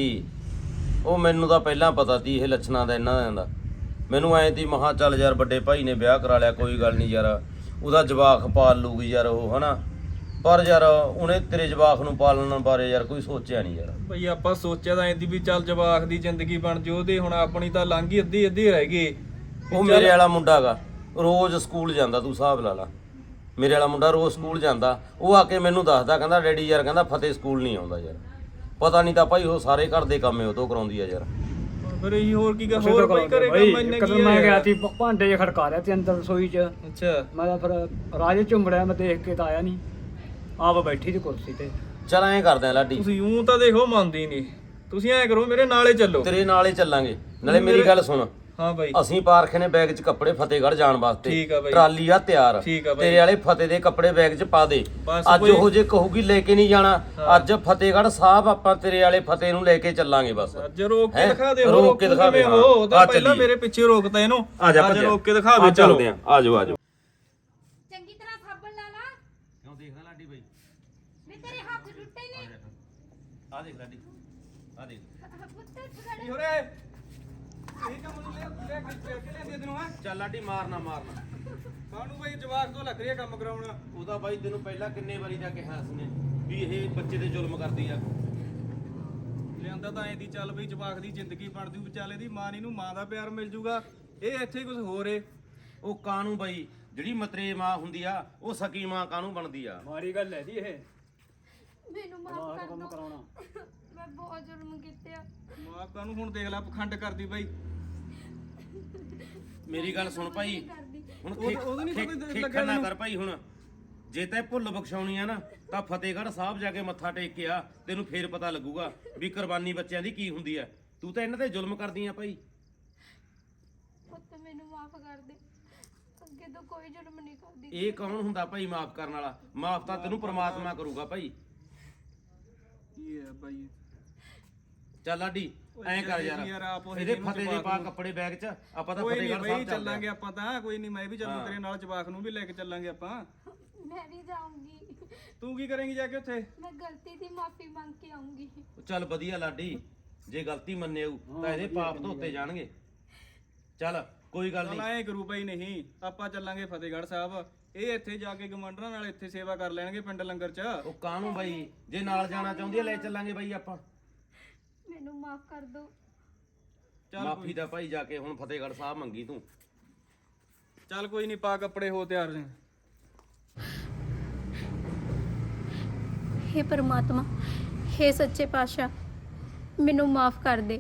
[SPEAKER 4] ਪਤਾ ਸੀ ਇਹ ਲੱਛਣਾਂ ਦਾ ਇਹਨਾਂ ਦਾ ਮੈਨੂੰ ਐਂ ਤੀ ਮਹਾ ਚੱਲ ਯਾਰ ਵੱਡੇ ਭਾਈ ਨੇ ਵਿਆਹ ਕਰਾ ਲਿਆ ਕੋਈ ਗੱਲ ਨਹੀਂ ਯਾਰ ਉਹਦਾ ਜਵਾਕ ਪਾਲ ਲੂਗੀ ਯਾਰ ਉਹ ਹਨਾ ਪਰ ਯਾਰ ਉਹਨੇ ਤੇਰੇ ਜਵਾਕ ਨੂੰ ਪਾਲਣ ਬਾਰੇ ਯਾਰ ਕੋਈ ਸੋਚਿਆ ਨਹੀਂ ਯਾਰ
[SPEAKER 2] ਬਈ ਆਪਾਂ ਸੋਚਿਆ ਤਾਂ ਐਂਦੀ ਵੀ ਚੱਲ ਜਵਾਕ ਦੀ ਜ਼ਿੰਦਗੀ ਬਣ ਜੇ ਉਹਦੇ ਹੁਣ ਆਪਣੀ ਤਾਂ ਲੰਘ ਹੀ ਅੱਧੀ ਰਹਿ ਗਈ
[SPEAKER 4] ਉਹ ਮੇਰੇ ਵਾਲਾ ਮੁੰਡਾ ਗਾ ਰੋਜ਼ ਸਕੂਲ ਜਾਂਦਾ ਤੂੰ ਹਿਸਾਬ ਲਾ ਲਾ ਮੇਰੇ ਵਾਲਾ ਮੁੰਡਾ ਰੋਜ਼ ਸਕੂਲ ਜਾਂਦਾ ਉਹ ਆ ਕੇ ਮੈਨੂੰ ਦੱਸਦਾ ਕਹਿੰਦਾ ਡੈਡੀ ਯਾਰ ਕਹਿੰਦਾ ਫਤਿਹ ਸਕੂਲ ਨਹੀਂ ਆਉਂਦਾ ਯਾਰ ਪਤਾ ਨਹੀਂ ਤਾਂ ਭਾਈ ਉਹ ਸਾਰੇ ਘਰ ਦੇ ਕੰਮ ਉਹ ਤੋਂ ਕਰਾਉਂਦੀ ਆ ਯਾਰ
[SPEAKER 2] ਫਿਰ ਇਹ ਹੋਰ ਕੀ
[SPEAKER 5] ਉਸੇ
[SPEAKER 2] ਹੋਰ
[SPEAKER 5] ਤੋਂ
[SPEAKER 2] ਬਈ
[SPEAKER 5] ਕਰਾਉਂਦੇ
[SPEAKER 2] ਕਰੇਗਾ
[SPEAKER 5] ਬਾਈ
[SPEAKER 2] ਮੈਨੇ
[SPEAKER 5] ਇੱਕ ਦਿਨ
[SPEAKER 2] ਕੀ
[SPEAKER 5] ਮੈਂ ਗਿਆ
[SPEAKER 2] ਹੈ
[SPEAKER 5] ਸੀ ਭਾਂਡੇ ਜਿਹੇ ਖੜਕਾ ਰਿਹਾ ਤੇ ਅੰਦਰ ਰਸੋਈ 'ਚ
[SPEAKER 2] ਅੱਛਾ
[SPEAKER 5] ਮੈਂ ਤਾਂ ਫਿਰ ਰਾਜੇ ਝੁੰਬੜਿਆ ਮੈਂ ਦੇਖ ਕੇ ਤਾਂ ਆਇਆ ਨਹੀਂ ਆਪ ਬੈਠੀ ਸੀ ਕੁਰਸੀ ਤੇ
[SPEAKER 4] ਚੱਲ ਐਂ ਕਰਦੇ ਆ ਲਾਡੀ
[SPEAKER 2] ਤੁਸੀਂ ਊਂ ਤਾਂ ਦੇਖੋ ਮੰਨਦੀ ਨਹੀਂ ਤੁਸੀਂ ਐਂ ਕਰੋ ਮੇਰੇ ਨਾਲੇ ਚੱਲੋ
[SPEAKER 4] ਤੇਰੇ ਨਾਲ ਹੀ ਚੱਲਾਂਗੇ ਨਾਲੇ ਮੇਰੀ ਗੱਲ ਸੁਣ
[SPEAKER 2] ਹਾਂ ਬਾਈ
[SPEAKER 4] ਅਸੀਂ ਪਾਰਖੇ ਨੇ ਬੈਗ 'ਚ ਕੱਪੜੇ ਫਤਿਹਗੜ੍ਹ ਜਾਣ ਵਾਸਤੇ
[SPEAKER 2] ਠੀਕ ਆ ਬਾਈ।
[SPEAKER 4] ਟਰਾਲੀ ਆ ਤਿਆਰ
[SPEAKER 2] ਠੀਕ ਆ ਬਾਈ।
[SPEAKER 4] ਤੇਰੇ ਵਾਲੇ ਫਤਿਹ ਦੇ ਕੱਪੜੇ ਬੈਗ 'ਚ ਪਾ ਦੇ
[SPEAKER 2] ਬਸ
[SPEAKER 4] ਅੱਜ
[SPEAKER 2] ਕੋਈ-
[SPEAKER 4] ਉਹ ਜੇ ਕਹੂਗੀ ਲੈ ਕੇ ਨਹੀਂ ਜਾਣਾ ਅੱਜ ਫਤਿਹਗੜ੍ਹ ਸਾਹਿਬ ਆਪਾਂ ਤੇਰੇ ਵਾਲੇ ਫਤਿਹ ਨੂੰ ਲੈ ਕੇ ਚੱਲਾਂਗੇ ਬਸ
[SPEAKER 2] ਅੱਜ ਰੋਕ ਕੇ
[SPEAKER 4] ਹੈਂ?
[SPEAKER 2] ਦਿਖਾ ਦੇ
[SPEAKER 4] ਰੋਕ ਕੇ ਦਿਖਾ ਦੇ, ਹਾਂ।
[SPEAKER 2] ਉਹ ਤਾਂ
[SPEAKER 4] ਆ
[SPEAKER 2] ਪਹਿਲਾਂ
[SPEAKER 4] ਚੱਲੀਏ।
[SPEAKER 2] ਮੇਰੇ ਪਿੱਛੇ ਰੋਕਦਾ ਇਹਨੂੰ
[SPEAKER 4] ਆ ਜਾ
[SPEAKER 2] ਅੱਜ
[SPEAKER 4] ਭੱਜਿਆ।
[SPEAKER 2] ਰੋਕ ਕੇ ਦਿਖਾ ਦੇ ਚਲੋ
[SPEAKER 4] ਚੱਲਦੇ ਆ ਆ ਜਾਓ
[SPEAKER 3] ਚੰਗੀ ਤਰ੍ਹਾਂ ਸਾਬਣ ਲਾ ਲਾ
[SPEAKER 4] ਕਿਉਂ ਦੇਖਦਾ ਲਾਡੀ ਬਾਈ
[SPEAKER 3] ਵੀ ਤੇਰੇ ਹੱਥ ਟੁੱਟੇ ਨੇ
[SPEAKER 4] ਆ ਦੇਖ ਲਾਡੀ ਆ ਦੇਖ
[SPEAKER 3] ਪੁੱਤ ਖੜੇ
[SPEAKER 2] ਹੋਰੇ ਇਹ ਕੰਮ ਨੂੰ ਲੈ ਕੇ ਲੈਂਦੇ ਤੈਨੂੰ ਹੈ
[SPEAKER 4] ਚੱਲ ਲਾਡੀ ਮਾਰਨਾ
[SPEAKER 2] ਕਾਹਨੂੰ ਬਈ ਜਵਾਕ ਤੋਂ ਲੱਗ ਰਿਹਾ ਕੰਮ ਕਰਾਉਣਾ
[SPEAKER 4] ਉਹਦਾ ਬਾਈ ਤੈਨੂੰ ਪਹਿਲਾਂ ਕਿੰਨੇ ਵਾਰੀ ਜਾ ਕੇ ਹਾਸ ਨੇ ਵੀ ਇਹ ਬੱਚੇ ਤੇ ਜ਼ੁਲਮ ਕਰਦੀ ਆ
[SPEAKER 2] ਲਿਆਂਦਾ ਤਾਂ ਐਂ ਦੀ ਚੱਲ ਬਈ ਜਵਾਕ ਦੀ ਜ਼ਿੰਦਗੀ ਬਣ ਜੂ ਵਿਚਾਲੇ ਦੀ ਮਾਂ ਨੂੰ ਮਾਂ ਦਾ ਪਿਆਰ ਮਿਲ ਜੂਗਾ ਇਹ ਇੱਥੇ ਕੁਝ ਹੋਰ ਏ
[SPEAKER 4] ਉਹ ਕਾਨੂੰ ਬਾਈ ਜਿਹੜੀ ਮਤਰੇ ਮਾਂ ਹੁੰਦੀ ਆ ਉਹ ਸਕੀ ਮਾਂ ਕਾਨੂੰ ਬਣਦੀ ਆ
[SPEAKER 5] ਮਾੜੀ ਗੱਲ ਹੈ ਜੀ ਇਹ
[SPEAKER 3] ਮੈਨੂੰ ਮਾਫ
[SPEAKER 5] ਆਹ
[SPEAKER 3] ਕਰ
[SPEAKER 5] ਕੰਮ
[SPEAKER 3] ਦੋ
[SPEAKER 5] ਕਰਾਉਣਾ
[SPEAKER 3] ਮੈਂ ਬਹੁਤ ਜ਼ੁਲਮ ਕੀਤੇ ਆ
[SPEAKER 2] ਮਾਂ ਕਾਹਨੂੰ ਹੁਣ ਦੇਖ ਲੈ ਪਖੰਡ ਕਰਦੀ ਬਈ
[SPEAKER 4] ਮੇਰੀ ਗੱਲ ਸੁਣ ਭਾਈ ਹੁਣ
[SPEAKER 2] ਉਹਦੇ ਨੀ ਸਮਝ
[SPEAKER 4] ਖੇਖਾ ਨਾ ਕਰ ਭਾਈ ਹੁਣ ਜੇ ਤੈਂ ਭੁੱਲ ਬਖਸ਼ਾਉਣੀ ਆ ਨਾ ਤਾਂ ਫਤਿਹਗੜ੍ਹ ਸਾਹਿਬ ਜਾ ਕੇ ਮੱਥਾ ਟੇਕ ਕੇ ਆ ਤੈਨੂੰ ਫੇਰ ਪਤਾ ਲੱਗੂਗਾ ਵੀ ਕੁਰਬਾਨੀ ਬੱਚਿਆਂ ਦੀ ਕੀ ਹੁੰਦੀ ਆ ਤੂੰ ਤਾਂ ਇਹਨਾਂ ਤੇ ਜ਼ੁਲਮ ਕਰਦੀ ਆ ਭਾਈ
[SPEAKER 3] ਪੁੱਤ ਮੈਨੂੰ ਮਾਫ ਕਰ ਦੇ ਅੱਗੇ ਤੋਂ ਕੋਈ ਜ਼ੁਲਮ ਨਹੀਂ ਕਰਦੀ
[SPEAKER 4] ਇਹ ਕੌਣ ਹੁੰਦਾ ਭਾਈ ਮਾਫ ਕਰਨ ਵਾਲਾ ਮਾਫ ਤਾਂ ਤੈਨੂੰ ਪ੍ਰਮਾਤਮਾ ਕਰੂਗਾ ਭਾਈ
[SPEAKER 2] ਕੀ ਹੈ ਬਾਈ
[SPEAKER 4] ਚੱਲ ਲਾਡੀ ਐਂ ਕਰ
[SPEAKER 2] ਯਾਰ ਆਪ ਉਹ
[SPEAKER 4] ਇਹਦੇ ਫਤਿਹ ਦੇ ਪਾ ਕੱਪੜੇ ਬੈਗ 'ਚ ਆਪਾਂ ਤਾਂ
[SPEAKER 2] ਕੋਈ ਨਹੀਂ
[SPEAKER 4] ਫਤਿਹਗੜ੍ਹ
[SPEAKER 2] ਬਈ
[SPEAKER 4] ਸਾਹਿਬ
[SPEAKER 2] ਚੱਲਾਂਗੇ ਆਪਾਂ ਤਾਂ ਕੋਈ ਨਹੀਂ ਮੈਂ ਵੀ ਚੱਲੂ ਤੇਰੇ ਨਾਲ ਜਵਾਕ ਨੂੰ ਵੀ ਲੈ ਕੇ ਚੱਲਾਂਗੇ ਆਪਾਂ
[SPEAKER 3] ਮੈਂ ਨਹੀਂ ਜਾਊਂਗੀ
[SPEAKER 2] ਤੂੰ ਕੀ ਕਰੇਂਗੀ ਜਾ ਕੇ ਉੱਥੇ
[SPEAKER 3] ਮੈਂ ਗਲਤੀ ਦੀ ਮਾਫੀ ਮੰਗ ਕੇ ਆਉਂਗੀ
[SPEAKER 4] ਚੱਲ ਵਧੀਆ ਲਾਡੀ ਜੇ ਗਲਤੀ ਮੰਨੇਊ ਤਾਂ ਇਹਦੇ ਪਾਪ ਧੋਤੇ ਜਾਣਗੇ ਚੱਲ ਕੋਈ ਗੱਲ
[SPEAKER 2] ਚੱਲ
[SPEAKER 4] ਨਹੀਂ
[SPEAKER 2] ਐਂ ਕਰੂ ਬਈ ਨਹੀਂ ਆਪਾਂ ਚੱਲਾਂਗੇ ਫਤਿਹਗੜ੍ਹ ਸਾਹਿਬ ਇਹ ਇੱਥੇ ਜਾ ਕੇ ਗਮੰਡਰਾਂ ਨਾਲ ਇੱਥੇ ਸੇਵਾ ਕਰ ਲੈਣਗੇ ਪਿੰਡ ਲੰਗਰ 'ਚ
[SPEAKER 4] ਉਹ ਕਾਹਨੂੰ ਬਾਈ ਜੇ ਨਾਲ ਜਾਣਾ ਚਾਹੁੰਦੀ ਆ ਲੈ ਚੱਲਾਂਗੇ ਬਾਈ ਆਪਾਂ
[SPEAKER 3] ਮੈਨੂੰ ਮਾਫ ਕਰ ਦਿਓ
[SPEAKER 2] ਚੱਲ
[SPEAKER 4] ਮਾਫੀ ਦਾ ਭਾਈ ਜਾ ਕੇ ਹੁਣ ਫਤਿਹਗੜ੍ਹ ਸਾਹਿਬ ਮੰਗੀ ਤੂੰ
[SPEAKER 2] ਚੱਲ ਕੋਈ ਨਹੀਂ ਪਾ ਕੱਪੜੇ ਹੋ ਤਿਆਰ ਨੇ
[SPEAKER 3] हे परमात्मा हे सच्चे पातशाह ਮੈਨੂੰ ਮਾਫ ਕਰ ਦੇ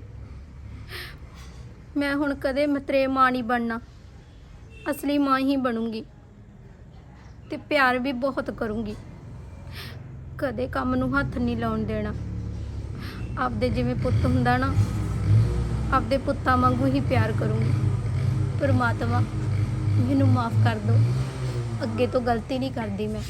[SPEAKER 3] ਮੈਂ ਹੁਣ ਕਦੇ ਮਤਰੇ ਮਾਂ ਨਹੀਂ ਬਣਨਾ ਅਸਲੀ ਮਾਂ ਹੀ ਬਣੂੰਗੀ ਤੇ ਪਿਆਰ ਵੀ ਬਹੁਤ ਕਰੂੰਗੀ ਕਦੇ ਕੰਮ ਨੂੰ ਹੱਥ ਨਹੀਂ ਲਾਉਣ ਦੇਣਾ ਆਪਦੇ ਜਿਵੇਂ ਪੁੱਤ ਹੁੰਦਾ ਨਾ ਆਪਦੇ ਪੁੱਤਾਂ ਵਾਂਗੂ ਹੀ ਪਿਆਰ ਕਰੂੰਗੀ ਪਰਮਾਤਮਾ ਮੈਨੂੰ ਮਾਫ ਕਰ ਦਿਓ ਅੱਗੇ ਤੋਂ ਗਲਤੀ ਨਹੀਂ ਕਰਦੀ ਮੈਂ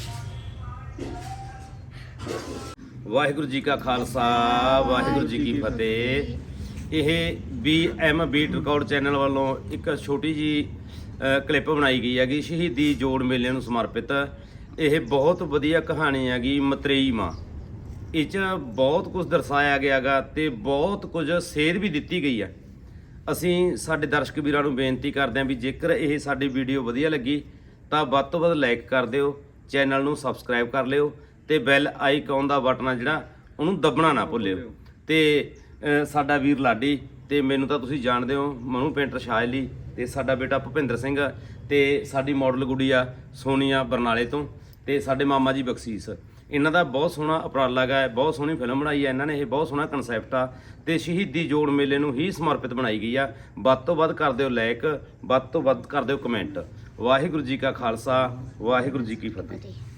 [SPEAKER 4] ਵਾਹਿਗੁਰੂ ਜੀ ਕਾ ਖਾਲਸਾ ਵਾਹਿਗੁਰੂ ਜੀ ਕੀ ਫਤਿਹ ਇਹ BM ਬੀਟ ਰਿਕਾਰਡ ਚੈਨਲ ਵੱਲੋਂ ਇੱਕ ਛੋਟੀ ਜੀ ਕਲਿੱਪ ਬਣਾਈ ਗਈ ਹੈਗੀ ਸ਼ਹੀਦੀ ਜੋੜ ਮੇਲੇ ਨੂੰ ਸਮਰਪਿਤ ਇਹ ਬਹੁਤ ਵਧੀਆ ਕਹਾਣੀ ਹੈਗੀ ਮਤਰੇਈ ਮਾਂ ਇਹ 'ਚ ਬਹੁਤ ਕੁਝ ਦਰਸਾਇਆ ਗਿਆਗਾ ਤੇ ਬਹੁਤ ਕੁਝ ਸੇਧ ਵੀ ਦਿੱਤੀ ਗਈ ਹੈ ਅਸੀਂ ਸਾਡੇ ਦਰਸ਼ਕ ਵੀਰਾਂ ਨੂੰ ਬੇਨਤੀ ਕਰਦੇ ਹਾਂ ਵੀ ਜੇਕਰ ਇਹ ਸਾਡੀ ਵੀਡੀਓ ਵਧੀਆ ਲੱਗੀ ਤਾਂ ਵੱਧ ਤੋਂ ਵੱਧ ਲਾਈਕ ਕਰ ਦਿਓ ਚੈਨਲ ਨੂੰ ਸਬਸਕ੍ਰਾਈਬ ਕਰ ਲਿਓ ਤੇ ਬੈਲ ਆਈਕਨ ਦਾ ਬਟਨ ਆ ਜਿਹੜਾ ਉਹਨੂੰ ਦੱਬਣਾ ਨਾ ਭੁੱਲਿਓ ਤੇ ਸਾਡਾ ਵੀਰ ਲਾਡੀ ਤੇ ਮੈਨੂੰ ਤਾਂ ਤੁਸੀਂ ਜਾਣਦੇ ਹੋ ਮਨੂ ਪੇਂਟਰ ਸ਼ਾਇਲੀ ਤੇ ਸਾਡਾ ਬੇਟਾ ਭੁਪਿੰਦਰ ਸਿੰਘ ਤੇ ਸਾਡੀ ਮਾਡਲ ਗੁੜੀਆ ਸੋਨੀਆ ਬਰਨਾਲੇ ਤੋਂ ਤੇ ਸਾਡੇ ਮਾਮਾ ਜੀ ਬਖਸ਼ੀਸ਼ ਇਹਨਾਂ ਦਾ ਬਹੁਤ ਸੋਹਣਾ ਉਪਰਾਲਾ ਗਾ ਬਹੁਤ ਸੋਹਣੀ ਫਿਲਮ ਬਣਾਈ ਹੈ ਇਹਨਾਂ ਨੇ ਇਹ ਬਹੁਤ ਸੋਹਣਾ ਕਨਸੈਪਟ ਆ ਤੇ ਸ਼ਹੀਦੀ ਜੋੜ ਮੇਲੇ ਨੂੰ ਹੀ ਸਮਰਪਿਤ ਬਣਾਈ ਗਈ ਆ ਵੱਧ ਤੋਂ ਵੱਧ ਕਰ ਦਿਓ ਲਾਈਕ ਵੱਧ ਤੋਂ ਵੱਧ ਕਰ ਦਿਓ ਕਮੈਂਟ ਵਾਹਿਗੁਰੂ ਜੀ ਕਾ ਖਾਲਸਾ ਵਾਹਿਗੁਰੂ ਜੀ ਕੀ ਫਤਿਹ